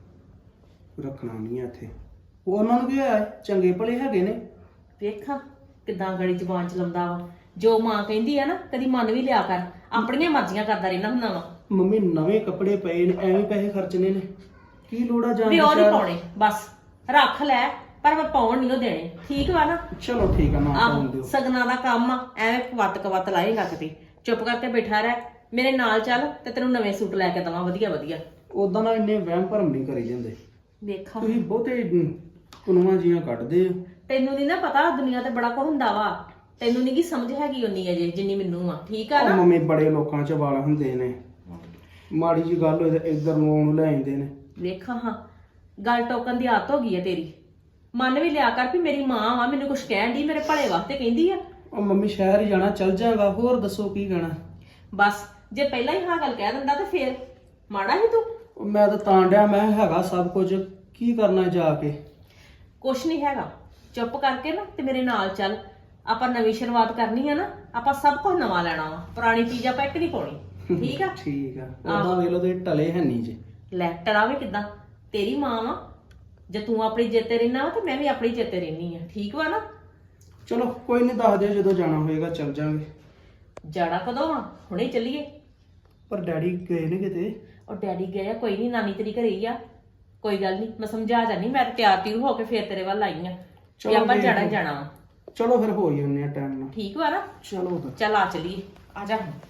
Speaker 5: ਰੱਖਣਾ ਨਹੀਂ ਆ ਇੱਥੇ। ਉਹ ਉਹਨਾਂ ਨੂੰ ਕੀ ਹੋਇਆ, ਚੰਗੇ ਭਲੇ ਹੈਗੇ ਨੇ।
Speaker 4: ਵੇਖਾਂ ਕਿਦਾਂ ਗੜੀ ਜ਼ਬਾਨ ਚਲਾਉਂਦਾ ਵਾ। ਜੋ ਮਾਂ ਕਹਿੰਦੀ ਆ ਨਾ, ਕਦੀ ਮੰਨ ਵੀ ਲਿਆ ਕਰ। ਆਪਣੀਆਂ ਮਰਜ਼ੀਆਂ ਕਰਦਾ ਰਹਿਣਾ ਹੁੰਦਾ ਵਾ।
Speaker 5: ਮੰਮੀ ਨਵੇਂ ਕੱਪੜੇ ਪਏ ਨੇ, ਐਵੇਂ ਪੈਸੇ ਖਰਚਣੇ ਨੇ, ਕੀ ਲੋੜ ਆ ਜਾਣ
Speaker 4: ਵੀ
Speaker 5: ਦੀ
Speaker 4: ਉਹ ਨਹੀਂ
Speaker 5: ਸ਼ਹਿਰ?
Speaker 4: ਪਾਉਣੇ, ਬਸ ਰੱਖ ਲੈ, ਪਰ ਮੈਂ ਪਾਉਣ ਨਹੀਂ ਉਹ ਦੇਣੇ। ਠੀਕ ਵਾ ਨਾ?
Speaker 5: ਚਲੋ ਠੀਕ ਆ, ਨਾ ਪਾਉਣ
Speaker 4: ਆਹ
Speaker 5: ਦਿਓ।
Speaker 4: ਸਗਨਾਂ ਦਾ ਕੰਮ ਆ, ਐਵੇਂ ਕਵੱਤ ਲਾਏਗਾ ਕਿਤੇ। ਚੁੱਪ ਕਰਕੇ ਬੈਠਾ ਰਹਿ, ਮੇਰੇ ਨਾਲ ਚੱਲ ਤੇ ਤੈਨੂੰ ਨਵੇਂ ਸੂਟ ਲੈ ਕੇ ਦਵਾਂ ਵਧੀਆ ਵਧੀਆ।
Speaker 5: ਉਦਾਂ ਨਾ ਇੰਨੇ ਵਹਿਮ ਭਰਮ ਨਹੀਂ ਕਰੀ ਜਾਂਦੇ।
Speaker 4: ਵੇਖਾਂ
Speaker 5: ਤੁਸੀਂ ਬਹੁਤੇ ਕੁਨਵਾ ਜੀਆਂ ਕੱਢਦੇ ਹੋ।
Speaker 4: ਤੈਨੂੰ ਨਹੀਂ ਨਾ ਪਤਾ, ਦੁਨੀਆ ਤੇ ਬੜਾ ਕੁਝ ਹੁੰਦਾ ਵਾ। ਤੈਨੂੰ ਨਹੀਂ ਕੀ ਸਮਝ ਹੈਗੀ ਉਨੀ ਅਜੇ ਜਿੰਨੀ ਮੈਨੂੰ ਆ। ਠੀਕ ਆ
Speaker 5: ਉਹ
Speaker 4: ਨਾ?
Speaker 5: ਮੰਮੀ ਬੜੇ ਲੋਕਾਂ 'ਚ ਵਾਲ ਹੁੰਦੇ ਨੇ, ਮਾੜੀ ਜੀ ਗੱਲ ਹੋਏ ਤੇ ਇੱਧਰ ਨੂੰ ਉਹਨੂੰ ਲੈ ਜਾਂਦੇ ਨੇ।
Speaker 4: ਵੇਖਾਂ ਹਾਂ, ਗੱਲ ਟੋਕਣ ਦੀ ਆਦਤ ਹੋ ਗਈ ਹੈ ਤੇਰੀ। ਮੰਨ ਵੀ ਲਿਆ ਕਰ ਵੀ ਮੇਰੀ ਮਾਂ ਵਾ, ਮੈਨੂੰ ਕੁਝ ਕਹਿਣ ਦੀ, ਮੇਰੇ ਭਲੇ ਵਾਸਤੇ ਕਹਿੰਦੀ ਆ।
Speaker 5: ਉਹ ਮੰਮੀ ਸ਼ਹਿਰ ਹੀ ਜਾਣਾ, ਚੱਲ ਜਾਗਾ, ਹੋਰ ਦੱਸੋ ਕੀ ਕਹਿਣਾ।
Speaker 4: ਬਸ ਜੇ ਪਹਿਲਾਂ ਹੀ ਹਾਂ ਗੱਲ ਕਹਿ ਦਿੰਦਾ ਤੇ ਫੇਰ ਮਾੜਾ ਹੀ ਤੂੰ।
Speaker 5: ਉਹ ਮੈਂ ਤਾਂ ਡਿਆ, ਮੈਂ ਹੈਗਾ ਸਭ ਕੁਝ, ਕੀ ਕਰਨਾ ਜਾ ਕੇ।
Speaker 4: ਕੁਛ ਨਹੀਂ ਹੈਗਾ, ਚੁੱਪ ਕਰਕੇ ਨਾ ਤੇ ਮੇਰੇ ਨਾਲ ਚੱਲ। ਆਪਾਂ ਨਵੀਂ ਸ਼ੁਰੂਆਤ ਕਰਨੀ ਆ ਨਾ, ਆਪਾਂ ਸਭ ਕੁਝ ਨਵਾਂ ਲੈਣਾ ਵਾ, ਪੁਰਾਣੀ ਚੀਜ਼ ਆਪਾਂ ਇੱਕ ਨਹੀਂ ਪਾਉਣੀ। ਠੀਕ ਆ?
Speaker 5: ਠੀਕ ਆ। ਉਹਦਾ ਵੇਖ ਲਓ ਤੇ ਟਲੇ ਹੈ ਨਹੀਂ ਜੇ।
Speaker 4: ਲੈ ਟੜਾਵੇ ਕਿਦਾਂ, ਤੇਰੀ ਮਾਂ ਵਾ। ਜੇ ਤੂੰ ਆਪਣੀ ਜਿੱਤੇ ਰਹਿਣਾ ਵਾ ਤੇ ਮੈਂ ਵੀ ਆਪਣੀ ਜਿੱਤੇ ਰਹਿਣੀ ਆ। ਠੀਕ ਵਾ ਨਾ?
Speaker 5: ਚਲੋ ਕੋਈ ਨਹੀਂ, ਦੱਸ ਦਿਓ ਜਦੋਂ ਜਾਣਾ ਹੋਏਗਾ, ਚੱਲ ਜਾਾਂਗੇ।
Speaker 4: ਜਾਣਾ ਕਦੋਂ ਆ? ਹੁਣੇ ਚੱਲੀਏ।
Speaker 5: ਪਰ ਡੈਡੀ ਗਏ ਨੇ ਕਿਤੇ।
Speaker 4: ਉਹ ਡੈਡੀ ਗਏ ਆ, ਕੋਈ ਨਹੀਂ, ਨਾਨੀ ਤੇਰੀ ਘਰੇ ਹੀ ਆ। ਕੋਈ ਗੱਲ ਨਹੀਂ, ਮੈਂ ਸਮਝਾ ਜਾਨੀ। ਮੈਂ ਤਾਂ ਤਿਆਰ ਤਿਉਰ ਹੋ ਕੇ ਫੇਰ ਤੇਰੇ ਵੱਲ ਆਈ ਆ ਕਿ ਆਪਾਂ
Speaker 5: ਵੇਖ
Speaker 4: ਜਾਣਾ
Speaker 5: ਲਓ।
Speaker 4: ਜਾਣਾ ਵਾ।
Speaker 5: ਚਲੋ ਫਿਰ ਹੋ ਹੀ ਹੁੰਨੇ ਆ ਟਾਈਮ ਨਾਲ।
Speaker 4: ਠੀਕ ਵਾ ਨਾ?
Speaker 5: ਚਲੋ ਫਿਰ।
Speaker 4: ਚੱਲ ਆ ਚੱਲੀਏ, ਆ ਜਾ ਹੁਣ।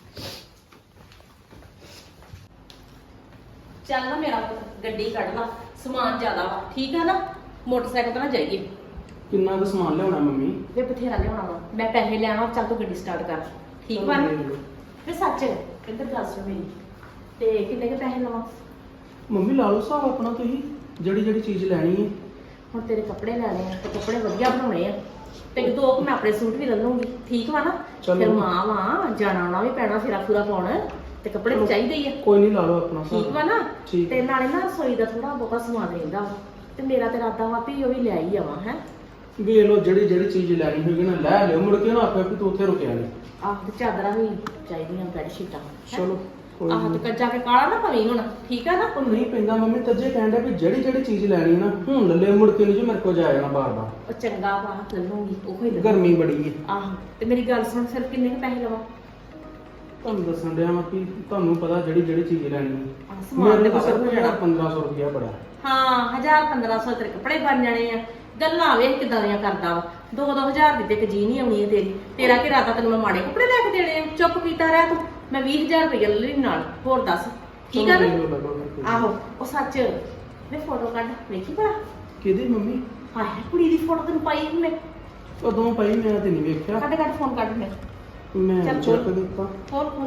Speaker 4: ਚੱਲ ਨਾ ਮੇਰਾ ਪੁੱਤ, ਗੱਡੀ ਕੱਢ ਲਾ, ਸਮਾਨ ਜ਼ਿਆਦਾ ਵਾ। ਠੀਕ ਆ ਨਾ? ਮੋਟਰਸਾਈਕਲ ਤੇ ਨਾ ਜਾਈਏ।
Speaker 5: ਕਿੰਨਾ ਕੁ ਸਮਾਨ ਲਿਆਉਣਾ ਮੰਮੀ?
Speaker 4: ਵੇ ਬਥੇਰਾ ਲਿਆਉਣਾ ਵਾ, ਮੈਂ ਪੈਸੇ ਲੈਣਾ। ਚੱਲ ਤੂੰ ਗੱਡੀ ਸਟਾਰਟ ਕਰ। ਠੀਕ ਵਾ ਨਾ? ਵੇ ਸੱਚ ਕਿੱਧਰ ਗੱਲ ਸੁਣ ਮੇਰੀ, ਤੇ ਕਿੰਨੇ ਕੇ ਪੈਸੇ ਲਵਾਂ?
Speaker 5: ਮੰਮੀ ਲਾ ਲਓ ਹਿਸਾਬ ਆਪਣਾ ਤੁਸੀਂ, ਜਿਹੜੀ ਚੀਜ਼ ਲੈਣੀ ਹੈ।
Speaker 4: ਹੁਣ ਤੇਰੇ ਕੱਪੜੇ ਲੈਣੇ ਆ ਤੇ ਕੱਪੜੇ ਵਧੀਆ ਬਣਾਉਣੇ ਆ, ਤੇ ਦੋ ਕੁ ਮੈਂ ਆਪਣੇ ਸੂਟ ਵੀ ਲੈ ਲੂੰਗੀ। ਠੀਕ ਵਾ ਨਾ?
Speaker 5: ਚਲੋ।
Speaker 4: ਫਿਰ ਮਾਂ ਵਾ, ਜਾਣਾ ਆਉਣਾ ਵੀ ਪੈਣਾ, ਫੇਰਾ ਫੂਰਾ ਪਾਉਣਾ, ਤੇ ਕੱਪੜੇ ਵੀ ਚਾਹੀਦੇ ਹੀ ਆ।
Speaker 5: ਕੋਈ ਨਹੀਂ, ਲਾ ਲਓ ਆਪਣਾ ਹਿਸਾਬ।
Speaker 4: ਠੀਕ ਵਾ ਨਾ?
Speaker 5: ਠੀਕ।
Speaker 4: ਤੇ ਨਾਲੇ ਨਾ ਰਸੋਈ ਦਾ ਥੋੜਾ ਬਹੁਤਾ ਸਮਾਨ ਰਹਿੰਦਾ ਵਾ, ਤੇ ਮੇਰਾ ਤੇ ਇਰਾਦਾ ਵਾ ਵੀ ਉਹ ਵੀ ਲੈ ਹੀ ਆਵਾਂ। ਹੈ
Speaker 5: ਵੇਖ ਲਓ, ਜਿਹੜੀ ਚੀਜ਼ ਲੈਣੀ ਹੋਏਗੀ ਨਾ ਲੈ ਲਿਓ, ਮੁੜ ਕੇ ਨਾ ਆਪੇ ਵੀ ਤੂੰ ਉੱਥੇ ਰੁਕਿਆ ਨਹੀਂ।
Speaker 4: ਆਹ ਤੇ ਚਾਦਰਾਂ ਵੀ ਚਾਹੀਦੀਆਂ, ਬੈੱਡ ਸ਼ੀਟਾਂ।
Speaker 5: ਚਲੋ ਕੋਈ
Speaker 4: ਆਹ ਤੇ
Speaker 5: ਨਹੀਂ।
Speaker 4: ਕੱਜਾ ਕੇ ਕਾਲਾ ਨਾ ਪਵੀਂ ਹੁਣ। ਠੀਕ ਆ ਨਾ?
Speaker 5: ਉਹ ਨਹੀਂ ਪੈਂਦਾ ਮੰਮੀ, ਤੱਜੇ ਕਹਿੰਦਾ ਵੀ ਜਿਹੜੀ ਚੀਜ਼ ਲੈਣੀ ਨਾ ਹੁਣ ਲੈ ਲਿਓ, ਮੁੜ ਕੇ ਨਹੀਂ ਜੀ ਮੇਰੇ ਕੋਲ ਜਾਇਆ ਜਾਣਾ ਬਾਰ-ਬਾਰ।
Speaker 4: ਉਹ ਚੰਗਾ ਵਾ, ਲੈ ਲੂੰਗੀ ਉਹ ਹੀ ਲੈ।
Speaker 5: ਗਰਮੀ ਬੜੀ ਹੈ।
Speaker 4: ਆਹ ਤੇ ਮੇਰੀ ਗੱਲ ਸੁਣ, ਫਿਰ ਕਿੰਨੇ ਕੁ ਪੈਸੇ ਲਵਾਂ?
Speaker 5: ਤੁਹਾਨੂੰ ਦੱਸਣ ਡਿਆ ਮੈਂ ਕਿ ਤੁਹਾਨੂੰ ਪਤਾ ਜਿਹੜੀ ਚੀਜ਼ ਲੈਣੀ
Speaker 4: ਆਹ
Speaker 5: ਹੈ।
Speaker 4: ਸਮਾਨ
Speaker 5: ਮੇਰੇ
Speaker 4: ਤੇ
Speaker 5: ਕੋਲ ਸਿਰਫ
Speaker 4: ਵਾਧੂ
Speaker 5: ਜਿਹੜਾ
Speaker 4: ਜਾਣਾ।
Speaker 5: 1500 ਰੁਪਇਆ ਬੜਾ।
Speaker 4: ਹਾਂ 1000-1500 ਤੇਰੇ ਕੱਪੜੇ ਬਣ ਜਾਣੇ ਆ। ਗੱਲਾਂ ਵੇਖ ਕਿਦਾਂ ਦੀਆਂ ਕਰਦਾ ਵਾ। 2-2000 ਦੀ ਤੇ ਇੱਕ ਜੀ ਨਹੀਂ ਆਉਣੀ ਹੈ ਤੇਰੀ। ਤੇਰਾ ਕੀ ਇਰਾਦਾ ਤੈਨੂੰ ਮੈਂ ਮਾੜੇ ਕੱਪੜੇ ਲੈ ਕੇ ਦੇਣੇ ਆ? ਚੁੱਪ ਕੀਤਾ ਰਹਿ ਤੂੰ। ਮੈਂ 20000 ਰੁਪਏ ਲੈ ਲਈ ਨਾਲ, ਹੋਰ ਦੱਸ। ਠੀਕ ਆ
Speaker 5: ਚਲੋ
Speaker 4: ਨਾ?
Speaker 5: ਵੇਖ ਲਓ, ਲੈ ਲਓ ਫਿਰ।
Speaker 4: ਆਹੋ ਉਹ ਸੱਚ ਮੈਂ ਫੋਟੋ ਕੱਢ ਵੇਖੀ ਭਲਾ।
Speaker 5: ਕਿਹਦੀ ਮੰਮੀ?
Speaker 4: ਹਾਏ ਕੁੜੀ ਦੀ ਫੋਟੋ ਤੈਨੂੰ ਪਾਈ ਸੀ ਮੈਂ।
Speaker 5: ਉਦੋਂ ਪਈ ਮੈਂ ਤੇ ਨਹੀਂ ਵੇਖਿਆ।
Speaker 4: ਕੱਢ ਫੋਨ ਕੱਢ ਮੈਂ।
Speaker 5: ਮੈਂ
Speaker 4: ਚੱਲ
Speaker 5: ਚੈੱਕ
Speaker 4: ਖੋਲ।
Speaker 5: ਦਿੱਤਾ।
Speaker 4: ਹੋਰ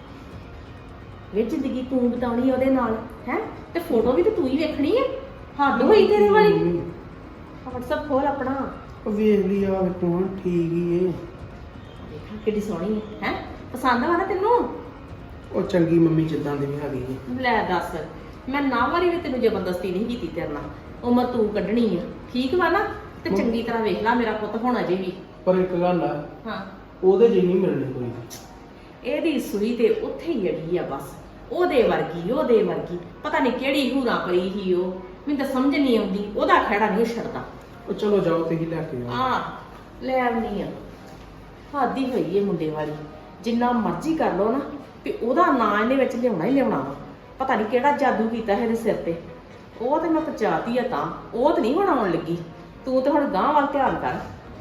Speaker 4: ਇਹ ਜ਼ਿੰਦਗੀ ਤੂੰ ਬਿਤਾਉਣੀ ਉਹਦੇ ਨਾਲ ਹੈ, ਤੇ ਫੋਟੋ ਵੀ ਤੇ ਤੂੰ ਹੀ ਵੇਖਣੀ ਹੈ। ਹੱਦ ਹੋਈ ਤੇਰੇ ਵਾਲੀ।
Speaker 5: ਮੰਮੀ,
Speaker 4: WhatsApp ਖੋਲ ਆਪਣਾ।
Speaker 5: ਉਹ ਵੇਖ ਲਈ ਆ ਵੇਖੋ, ਹਾਂ ਠੀਕ ਹੀ ਏ।
Speaker 4: ਦੇਖਾਂ ਕਿੱਡੀ ਸੋਹਣੀ ਹੈ। ਹੈ ਪਸੰਦ ਆ ਨਾ ਤੈਨੂੰ?
Speaker 5: ਉਹ ਚੰਗੀ ਮੰਮੀ ਜਿੱਦਾਂ ਦੀ ਵੀ ਹੈਗੀ ਏ।
Speaker 4: ਲੈ ਦੱਸ, ਮੈਂ ਨਾ ਵਾਰੀ ਵੀ ਤੈਨੂੰ ਜ਼ਬਰਦਸਤੀ ਨਹੀਂ ਕੀਤੀ ਤੇਰੇ ਨਾਲ। ਉਮਰ ਤੂੰ ਕੱਢਣੀ ਆ। ਠੀਕ ਵਾ ਨਾ? ਤੇ ਚੰਗੀ ਤਰ੍ਹਾਂ ਵੇਖ ਲੈ, ਮੇਰਾ ਪੁੱਤ ਹੋਣਾ ਜੇ ਵੀ।
Speaker 5: ਪਰ ਇੱਕ ਗੱਲ ਆ,
Speaker 4: ਹਾਂ
Speaker 5: ਉਹਦੇ ਜਿਹੀ ਨਹੀਂ ਮਿਲਣੀ ਕੋਈ।
Speaker 4: ਇਹਦੀ ਸੂਈ ਤੇ ਉੱਥੇ ਹੀ ਅੜੀ ਆ ਬਸ। ਉਹਦੇ ਵਰਗੀ ਪਤਾ ਨਹੀਂ ਕਿਹੜੀ ਹੂਰਾ ਪਈ ਸੀ ਉਹ। ਮੈਨੂੰ ਤਾਂ ਸਮਝ ਨਹੀਂ ਆਉਂਦੀ, ਉਹਦਾ ਖਹਿੜਾ ਨਹੀਂ ਛੱਡਦਾ।
Speaker 5: ਉਹ ਚਲੋ ਜਾਓ, ਤੁਸੀਂ ਲੈ ਕੇ ਆਓ।
Speaker 4: ਆ ਲੈ ਆਉਣੀ ਆ। ਹਾਦੀ ਹੋਈ ਏ ਮੁੰਡੇ ਵਾਲੀ। ਜਿੰਨਾ ਮਰਜ਼ੀ ਕਰ ਲੋ ਨਾ ਵੀ ਉਹਦਾ ਨਾਂ ਇਹਦੇ ਵਿੱਚ ਲਿਆਉਣਾ ਹੀ ਲਿਆਉਣਾ ਵਾ। ਪਤਾ ਨਹੀਂ ਕਿਹੜਾ ਜਾਦੂ ਕੀਤਾ ਇਹਦੇ ਸਿਰ ਤੇ। ਉਹ ਤੇ ਮੈਂ ਪਚਾਤੀ ਆ ਤਾਂ ਉਹ ਤੇ ਨਹੀਂ ਹੁਣ ਆਉਣ ਲੱਗੀ। ਤੂੰ ਤੇ ਹੁਣ ਗਾਂਹ ਵੱਲ ਧਿਆਨ ਕਰ।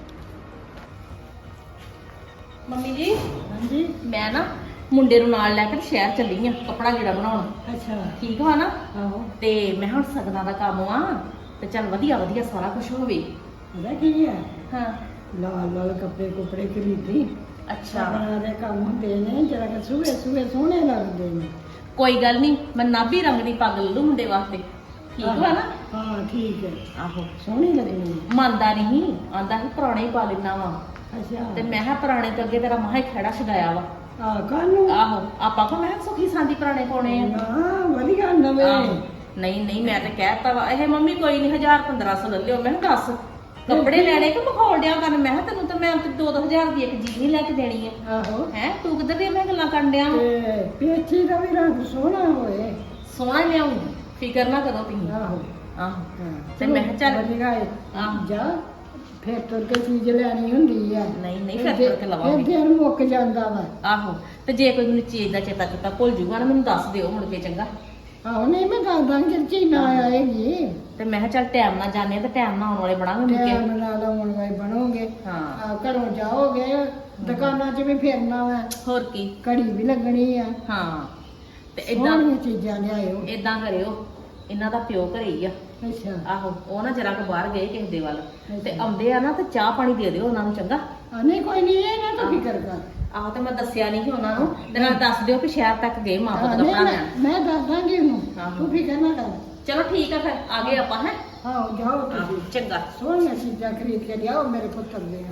Speaker 4: ਮੰਮੀ ਜੀ
Speaker 3: ਹਾਂਜੀ
Speaker 4: ਮੈਂ ਨਾ ਮੁੰਡੇ ਨੂੰ ਨਾਲ ਲੈ ਕੇ ਸ਼ਹਿਰ ਚੱਲੀ ਆ ਕੱਪੜਾ ਜਿਹੜਾ ਬਣਾਉਣ।
Speaker 3: ਅੱਛਾ
Speaker 4: ਠੀਕ ਵਾ ਨਾ?
Speaker 3: ਆਹੋ
Speaker 4: ਤੇ ਮੈਂ ਹੁਣ ਸਗਨਾਂ ਦਾ ਕੰਮ ਆ ਤੇ ਚੱਲ ਵਧੀਆ ਵਧੀਆ ਸਾਰਾ ਕੁਝ ਹੋਵੇ।
Speaker 3: ਉਹਦਾ ਕੀ ਹੈ
Speaker 4: ਹਾਂ
Speaker 3: ਲਾਲ ਲਾਲ ਕੱਪੜੇ ਖਰੀਦੀ
Speaker 4: ਅੱਛਾ
Speaker 3: ਬਣਾ ਦੇ ਕੰਮ ਹੁੰਦੇ ਨੇ ਜਰਾ ਕਿ ਸੂਹੇ ਸੋਹਣੇ ਲੱਗਦੇ ਨੇ।
Speaker 4: ਕੋਈ ਗੱਲ ਨਹੀਂ, ਮੈਂ ਨਾਭੀ ਰੰਗ ਦੀ ਪੱਗ ਲੈ ਲੂ ਮੁੰਡੇ ਵਾਸਤੇ। ਠੀਕ ਵਾ ਨਾ?
Speaker 3: ਹਾਂ ਠੀਕ ਹੈ
Speaker 4: ਆਹੋ
Speaker 3: ਸੋਹਣੀ ਲੱਗਣੀ
Speaker 4: ਮੰਨਦਾ ਨਹੀਂ, ਆਂਦਾ ਸੀ ਪੁਰਾਣੇ ਹੀ ਪਾ ਲੈਣਾ ਵਾ।
Speaker 3: ਅੱਛਾ
Speaker 4: ਤੇ ਮੈਂ ਕਿਹਾ ਪੁਰਾਣੇ ਤੋਂ ਅੱਗੇ ਤੇਰਾ ਮਹਾ ਹੀ ਖੜਾ ਛਡਾਇਆ ਵਾ।
Speaker 3: ਆ ਕਾਨੂੰ
Speaker 4: ਆਹੋ ਆਪਾਂ ਕੋ ਮੈਂ ਕਿਹਾ ਸੁਖੀ ਸਾਂਦੀ ਪੁਰਾਣੇ ਪਾਉਣੇ ਆ।
Speaker 3: ਹਾਂ ਵਧੀਆ ਨਵੇਂ
Speaker 4: ਆਹੋ। ਨਹੀਂ ਨਹੀਂ ਮੈਂ ਤੇ ਕਹਿਤਾ ਵਾ ਇਹ ਮੰਮੀ ਕੋਈ ਨਹੀਂ 1000-1500 ਲੈ ਲਿਓ। ਮੈਂ ਕਿਹਾ ਦੱਸ ਕੱਪੜੇ ਲੈਣੇ ਕਿ ਮਖੌਲ ਡਿਆ ਕਰਨ। ਮੈਂ ਕਿਹਾ ਤੈਨੂੰ ਤਾਂ ਮੈਂ 2-2000 ਦੀ ਇੱਕ ਚੀਜ਼ ਨਹੀਂ ਲੈ ਕੇ ਦੇਣੀ ਆ।
Speaker 3: ਆਹੋ
Speaker 4: ਹੈ ਤੂੰ ਕਿੱਧਰ ਦੀਆਂ ਮੈਂ ਗੱਲਾਂ ਕਰਨ ਡਿਆ ਵਾਂ?
Speaker 3: ਤੇ ਪੇਚੀ ਦਾ ਵੀ ਰੰਗ ਸੋਹਣਾ ਹੋਏ।
Speaker 4: ਸੋਹਣਾ ਹੀ ਲਿਆਉਂਗੀ, ਫਿਕਰ ਨਾ ਕਰੋ ਤੁਸੀਂ।
Speaker 3: ਆਹੋ
Speaker 4: ਆਹੋ
Speaker 3: ਹਾਂ
Speaker 4: ਤੇ ਮੈਂ ਕਿਹਾ ਚੱਲ
Speaker 3: ਵਧੀਆ ਹੈ
Speaker 4: ਆਹੋ।
Speaker 3: ਜਾ ਫਿਰ ਤੁਰ ਕੇ ਚੀਜ਼ ਲੈਣੀ ਹੁੰਦੀ ਆ।
Speaker 4: ਨਹੀਂ ਨਹੀਂ ਫਿਰ ਤੁਰ ਕੇ ਲਵਾਂਗੇ।
Speaker 3: ਫਿਰ ਦਿਨ ਮੁੱਕ ਜਾਂਦਾ ਵਾ।
Speaker 4: ਆਹੋ ਤੇ ਜੇ ਕੋਈ ਮੈਨੂੰ ਚੀਜ਼ ਦਾ ਚੇਤਾ ਕੀਤਾ ਭੁੱਲ ਜੂਗਾ ਨਾ ਮੈਨੂੰ ਦੱਸ ਦਿਓ ਮੁੜ ਕੇ ਚੰਗਾ।
Speaker 3: ਆਹੋ ਨਹੀਂ ਮੈਂ ਦੱਸ ਦਾਂਗੀ ਚੀਜ਼ ਨਾ ਆਏਗੀ
Speaker 4: ਤੇ ਮੈਂ ਕਿਹਾ ਚੱਲ ਟਾਈਮ ਨਾਲ ਜਾਣੇ ਤੇ ਟਾਈਮ ਨਾਲ ਆਉਣ ਵਾਲੇ ਬਣਾਂਗੇ ਮੁੜ ਕੇ।
Speaker 3: ਟਾਈਮ ਨਾਲ ਆਉਣ ਵਾਲੇ ਬਣੋਗੇ।
Speaker 4: ਹਾਂ
Speaker 3: ਘਰੋਂ ਜਾਓਗੇ ਦੁਕਾਨਾਂ 'ਚ ਵੀ ਫਿਰਨਾ ਵਾ
Speaker 4: ਹੋਰ ਕੀ।
Speaker 3: ਘੜੀ ਵੀ ਲੱਗਣੀ ਆ।
Speaker 4: ਹਾਂ ਤੇ ਇਦਾਂ
Speaker 3: ਸੋਹਣੀਆਂ ਚੀਜ਼ਾਂ ਲਿਆਇਓ।
Speaker 4: ਇਦਾਂ ਕਰਿਓ, ਇਹਨਾਂ ਦਾ ਪਿਓ ਘਰੇ ਹੀ ਆ।
Speaker 3: ਅੱਛਾ
Speaker 4: ਆਹੋ ਉਹ ਨਾ ਜਰਾ ਕੁ ਬਾਹਰ ਗਏ ਕਿਸੇ ਦੇ ਵੱਲ ਤੇ ਆਉਂਦੇ ਆ ਨਾ ਤੇ ਚਾਹ ਪਾਣੀ ਦੇ ਦਿਓ ਉਹਨਾਂ ਨੂੰ ਚੰਗਾ।
Speaker 3: ਨਹੀਂ ਕੋਈ ਨਹੀਂ ਇਹ ਨਾ ਤੂੰ ਫਿਕਰ ਕਰ।
Speaker 4: ਆਹੋ ਤੇ ਮੈਂ ਦੱਸਿਆ ਨਹੀਂ ਸੀ ਉਹਨਾਂ ਨੂੰ ਤੇ ਨਾਲ ਦੱਸ ਦਿਓ ਕਿ ਸ਼ਹਿਰ ਤੱਕ ਗਏ ਮਾਂ ਪੁੱਤ
Speaker 3: ਨਹੀਂ,
Speaker 4: ਕੱਪੜਾ ਲੈਣ।
Speaker 3: ਮੈਂ ਦੱਸ ਦਾਂਗੀ ਉਹਨੂੰ
Speaker 4: ਆਹੋ।
Speaker 3: ਤੂੰ ਫਿਕਰ ਨਾ ਕਰ।
Speaker 4: ਚਲੋ ਠੀਕ ਆ ਫਿਰ ਆ ਗਏ ਆਪਾਂ। ਹੈ
Speaker 3: ਆਹੋ ਜਾਓ ਤੁਸੀਂ
Speaker 4: ਚੰਗਾ।
Speaker 3: ਸੋਹਣੀਆਂ ਚੀਜ਼ਾਂ ਖਰੀਦ ਕੇ ਲਿਆਓ ਮੇਰੇ ਪੁੱਤਰ ਦੇ।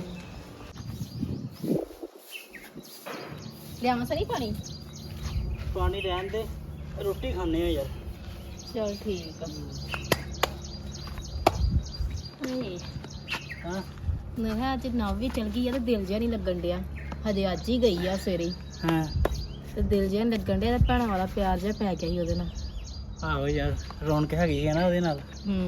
Speaker 4: ਲਿਆਵਾਂ ਸਰੀ ਪਾਣੀ?
Speaker 5: ਪਾਣੀ ਰਹਿਣ ਦੇ, ਰੋਟੀ ਖਾਣੇ ਆ ਯਾਰ।
Speaker 4: ਚਲ ਠੀਕ ਆ।
Speaker 5: ਹਾਂ
Speaker 6: ਮੈਂ ਕਿਹਾ ਅੱਜ ਨਵ ਵੀ ਚਲ ਗਈ ਆ ਤੇ ਦਿਲ ਜਿਹਾ ਨਹੀਂ ਲੱਗਣ ਡਿਆ। ਹਜੇ ਅੱਜ ਹੀ ਗਈ ਆ ਸਵੇਰੇ ਹੀ
Speaker 5: ਹਾਂ
Speaker 6: ਤੇ ਦਿਲ ਜਿਹਾ ਨੀ ਲੱਗਣ ਡਿਆ ਤੇ ਭੈਣਾਂ ਵਾਲਾ ਪਿਆਰ ਜਿਹਾ ਪੈ ਗਿਆ ਸੀ ਉਹਦੇ ਨਾਲ।
Speaker 5: ਆਹੋ ਯਾਰ ਰੌਣਕ ਹੈਗੀ ਹੈ ਨਾ ਉਹਦੇ ਨਾਲ।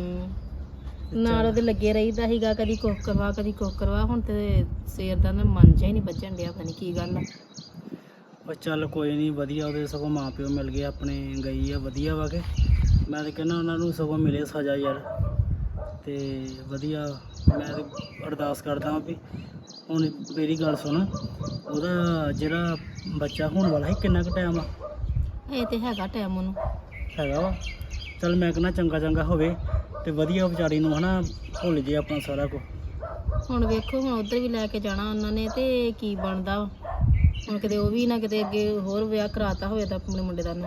Speaker 6: ਨਾਲ ਉਹਦੇ ਲੱਗੇ ਰਹੀਦਾ ਸੀਗਾ, ਕਦੀ ਕੁੱਖ ਕਰਵਾ ਕਦੀ ਕੁੱਖ ਕਰਵਾ। ਹੁਣ ਤੇ ਸਵੇਰ ਦਾ ਨਾ ਮਨ ਜਿਹਾ ਹੀ ਨਹੀਂ ਬੱਝਣ ਡਿਆ, ਪਤਾ ਨੀ ਕੀ ਗੱਲ ਆ।
Speaker 5: ਉਹ ਚੱਲ ਕੋਈ ਨਹੀਂ, ਵਧੀਆ ਉਹਦੇ ਸਗੋਂ ਮਾਂ ਪਿਓ ਮਿਲ ਗਏ ਆਪਣੇ, ਗਈ ਆ ਵਧੀਆ ਵਾ ਕੇ। ਮੈਂ ਤਾਂ ਕਹਿੰਦਾ ਉਹਨਾਂ ਨੂੰ ਸਗੋਂ ਮਿਲੇ ਸਜ਼ਾ ਯਾਰ। ਤੇ ਵਧੀਆ ਮੈਂ ਤੇ ਅਰਦਾਸ ਕਰਦਾ ਹਾਂ ਵੀ ਹੁਣ ਮੇਰੀ ਗੱਲ ਸੁਣ, ਉਹਦਾ ਜਿਹੜਾ ਬੱਚਾ ਹੋਣ ਵਾਲਾ ਹੈ ਕਿੰਨਾ ਕੁ ਟਾਈਮ ਆ?
Speaker 6: ਇਹ ਤੇ ਹੈਗਾ ਟਾਈਮ ਉਹਨੂੰ।
Speaker 5: ਹੈਗਾ ਵਾ। ਚੱਲ ਮੈਂ ਕਹਿੰਦਾ ਚੰਗਾ ਚੰਗਾ ਹੋਵੇ ਤੇ ਵਧੀਆ ਵਿਚਾਰੀ ਨੂੰ ਹਨਾ ਭੁੱਲ ਜੇ ਆਪਣਾ ਸਾਰਾ ਕੁਝ।
Speaker 6: ਹੁਣ ਵੇਖੋ ਹੁਣ ਉਧਰ ਵੀ ਲੈ ਕੇ ਜਾਣਾ ਉਹਨਾਂ ਨੇ ਤੇ ਕੀ ਬਣਦਾ ਵਾ। ਹੁਣ ਕਿਤੇ ਉਹ ਵੀ ਨਾ ਕਿਤੇ ਅੱਗੇ ਹੋਰ ਵਿਆਹ ਕਰਾਤਾ ਹੋਵੇ ਤਾਂ ਆਪਣੇ ਮੁੰਡੇ ਦਾ ਨੂੰ।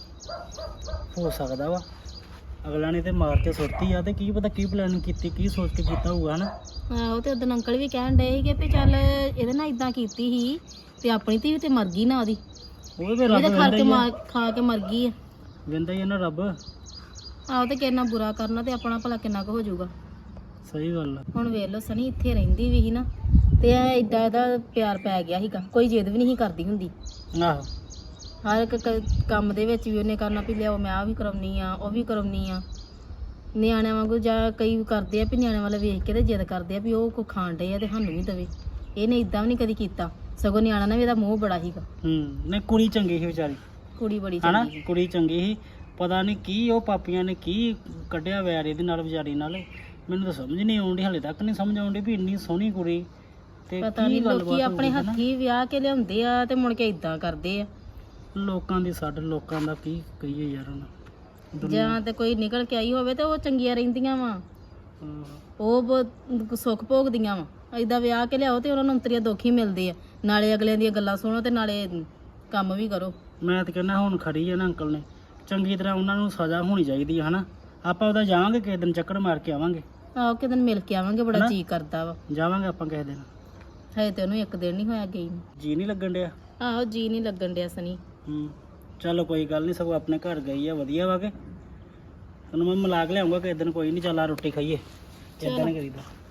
Speaker 5: ਹੋ ਸਕਦਾ ਵਾ ਅਗਲਾ ਨੇ ਤੇ ਮਾਰ ਕੇ ਸੁੱਟਤੀ ਆ, ਤੇ ਕੀ ਪਤਾ ਕੀ ਪਲਾਨਿੰਗ ਕੀਤੀ, ਕੀ ਸੋਚ ਕੇ ਕੀਤਾ ਹੋਊਗਾ ਹਨਾ।
Speaker 6: ਆਹੋ ਤੇ ਉਦੋਂ ਅੰਕਲ ਵੀ ਕਹਿਣ ਡਏ ਸੀਗੇ ਵੀ ਚੱਲ ਇਹਦੇ ਨਾਲ ਇਦਾਂ ਕੀਤੀ ਸੀ ਤੇ ਆਪਣੀ ਧੀ ਵੀ ਤੇ ਮਰ ਗਈ ਨਾ ਉਹਦੀ।
Speaker 5: ਉਹ ਤੇ
Speaker 6: ਇਹ
Speaker 5: ਰੱਬ
Speaker 6: ਤਾਂ ਖਾ ਕੇ
Speaker 5: ਵੰਦਾ
Speaker 6: ਖਾ ਕੇ ਮਰ ਗਈ ਆ।
Speaker 5: ਹੀ ਆ ਨਾ ਰੱਬ।
Speaker 6: ਆਹੋ ਤੇ ਕਿੰਨਾ ਬੁਰਾ ਕਰਨਾ ਤੇ ਆਪਣਾ ਭਲਾ ਕਿੰਨਾ ਕੁ ਹੋ ਜਾਊਗਾ।
Speaker 5: ਸਹੀ ਗੱਲ ਆ।
Speaker 6: ਹੁਣ ਵੇਖ ਲਓ ਸਨੀ ਇੱਥੇ ਰਹਿੰਦੀ ਵੀ ਸੀ ਨਾ ਤੇ ਐਡਾ ਇਹਦਾ ਪਿਆਰ ਪੈ ਗਿਆ ਸੀਗਾ, ਕੋਈ ਜਿੱਦ ਵੀ ਨਹੀਂ ਸੀ ਕਰਦੀ ਹੁੰਦੀ।
Speaker 5: ਆਹੋ
Speaker 6: ਹਰ ਇੱਕ ਕੰਮ ਦੇ ਵਿੱਚ ਵੀ ਉਹਨੇ ਕਰਨਾ ਵੀ ਲਿਆਓ ਮੈਂ ਆਹ ਵੀ ਕਰਾਉਣੀ ਆ ਉਹ ਵੀ ਕਰਾਉਣੀ ਆ। ਨਿਆਣਿਆਂ ਵਾਂਗੂ ਜਾਂ ਕਈ ਕਰਦੇ ਆ ਵੀ ਨਿਆਣਿਆਂ ਵਾਲਾ ਵੇਖ ਕੇ ਤੇ ਜਿੱਦ ਕਰਦੇ ਆ ਵੀ ਉਹ ਕੋ ਖਾਣ ਡਏ ਆ ਤੇ ਸਾਨੂੰ ਵੀ ਦੇਵੇ। ਇਹਨੇ ਇਦਾਂ ਵੀ ਨਹੀਂ ਕਦੀ ਕੀਤਾ, ਸਗੋਂ ਨਿਆਣਾ ਨੇ ਵੀ ਇਹਦਾ ਮੋਹ ਬੜਾ ਸੀਗਾ।
Speaker 5: ਨਹੀਂ ਕੁੜੀ ਚੰਗੀ ਸੀ ਵਿਚਾਰੀ
Speaker 6: ਕੁੜੀ ਬੜੀ
Speaker 5: ਹਨਾ,
Speaker 6: ਚੰਗੀ ਸੀ।
Speaker 5: ਕੁੜੀ ਚੰਗੀ ਸੀ। ਪਤਾ ਨਹੀਂ ਕੀ ਉਹ ਪਾਪੀਆਂ ਨੇ ਕੀ ਕੱਢਿਆ ਵੈਰ ਇਹਦੇ ਨਾਲ ਵਿਚਾਰੀ ਨਾਲ। ਮੈਨੂੰ ਤਾਂ ਸਮਝ ਨਹੀਂ ਆਉਂਦੀ, ਹਲੇ ਤੱਕ ਨਹੀਂ ਸਮਝ ਆਉਂਦੀ ਵੀ ਇੰਨੀ ਸੋਹਣੀ ਕੁੜੀ ਤੇ
Speaker 6: ਪਤਾ
Speaker 5: ਕੀ
Speaker 6: ਨਹੀਂ
Speaker 5: ਗੱਲਬਾਤ
Speaker 6: ਲੋਕੀ ਆਪਣੇ
Speaker 5: ਹੋਊਗੀ ਹਨਾ।
Speaker 6: ਹੱਥੀਂ ਵਿਆਹ ਕੇ ਲਿਆਉਂਦੇ ਆ ਤੇ ਮੁੜ ਕੇ ਇਦਾਂ ਕਰਦੇ ਆ।
Speaker 5: ਲੋਕਾਂ ਦੀ ਛੱਡ, ਲੋਕਾਂ ਦਾ ਕੀ ਕਹੀਏ ਯਾਰ ਹੁਣ।
Speaker 6: ਜਾਂ ਤੇ ਕੋਈ ਨਿਕਲ ਕੇ ਆਈ ਹੋਵੇ ਤੇ ਉਹ ਚੰਗੀਆਂ ਰਹਿੰਦੀਆਂ ਵਾ,
Speaker 5: ਹਾਂ।
Speaker 6: ਉਹ ਸੁੱਖ ਭੋਗਦੀਆਂ ਵਾ। ਏਦਾਂ ਵਿਆਹ ਕੇ ਲਿਆਓ ਤੇ ਉਹਨਾਂ ਨੂੰ ਅੰਤਰੀਆ ਦੁੱਖ ਹੀ ਮਿਲਦੇ ਆ, ਨਾਲੇ ਅਗਲਿਆਂ ਦੀਆਂ ਗੱਲਾਂ ਸੁਣੋ ਤੇ ਨਾਲੇ ਕੰਮ ਵੀ ਕਰੋ।
Speaker 5: ਮੈਂ ਤਾਂ ਕਹਿੰਦਾ ਹੁਣ ਖੜੀ ਆ ਨਾ ਅੰਕਲ ਨੇ, ਚੰਗੀ ਤਰ੍ਹਾਂ ਉਹਨਾਂ ਨੂੰ ਸਜ਼ਾ ਹੋਣੀ ਚਾਹੀਦੀ ਹੈ ਹਨਾ। ਆਪਾਂ ਉਹਦਾ ਜਾਵਾਂਗੇ ਕਿਸੇ ਦਿਨ, ਚੱਕਰ ਮਾਰ ਕੇ ਆਵਾਂਗੇ।
Speaker 6: ਆਹੋ ਕਿਸੇ ਦਿਨ ਮਿਲ ਕੇ ਆਵਾਂਗੇ, ਬੜਾ
Speaker 5: ਹਨਾ?
Speaker 6: ਜੀ ਕਰਦਾ ਵਾ।
Speaker 5: ਜਾਵਾਂਗੇ ਆਪਾਂ ਕਿਸੇ ਦਿਨ।
Speaker 6: ਹਜੇ ਤੇ ਉਹਨੂੰ ਇੱਕ ਦਿਨ ਨਹੀਂ ਹੋਇਆ ਗਈ ਨੂੰ।
Speaker 5: ਜੀ ਨਹੀਂ ਲੱਗਣ ਡਿਆ।
Speaker 6: ਆਹੋ ਜੀ ਨਹੀਂ ਲੱਗਣ ਡਿਆ ਸਨੀ।
Speaker 5: ਚਲੋ ਕੋਈ ਗੱਲ ਨਹੀਂ, ਸਗੋਂ ਆਪਣੇ ਘਰ ਗਈ ਆ ਵਧੀਆ ਵਾ ਕੇ। ਤੈਨੂੰ ਮੈਂ ਮਿਲਾ ਕੇ ਲਿਆਉਂਗਾ ਕਿਸੇ ਦਿਨ, ਕੋਈ ਨਹੀਂ। ਚੱਲ ਆ ਰੋਟੀ ਖਾਈਏ, ਇਦਾਂ ਨਹੀਂ ਕਰੀਦਾ।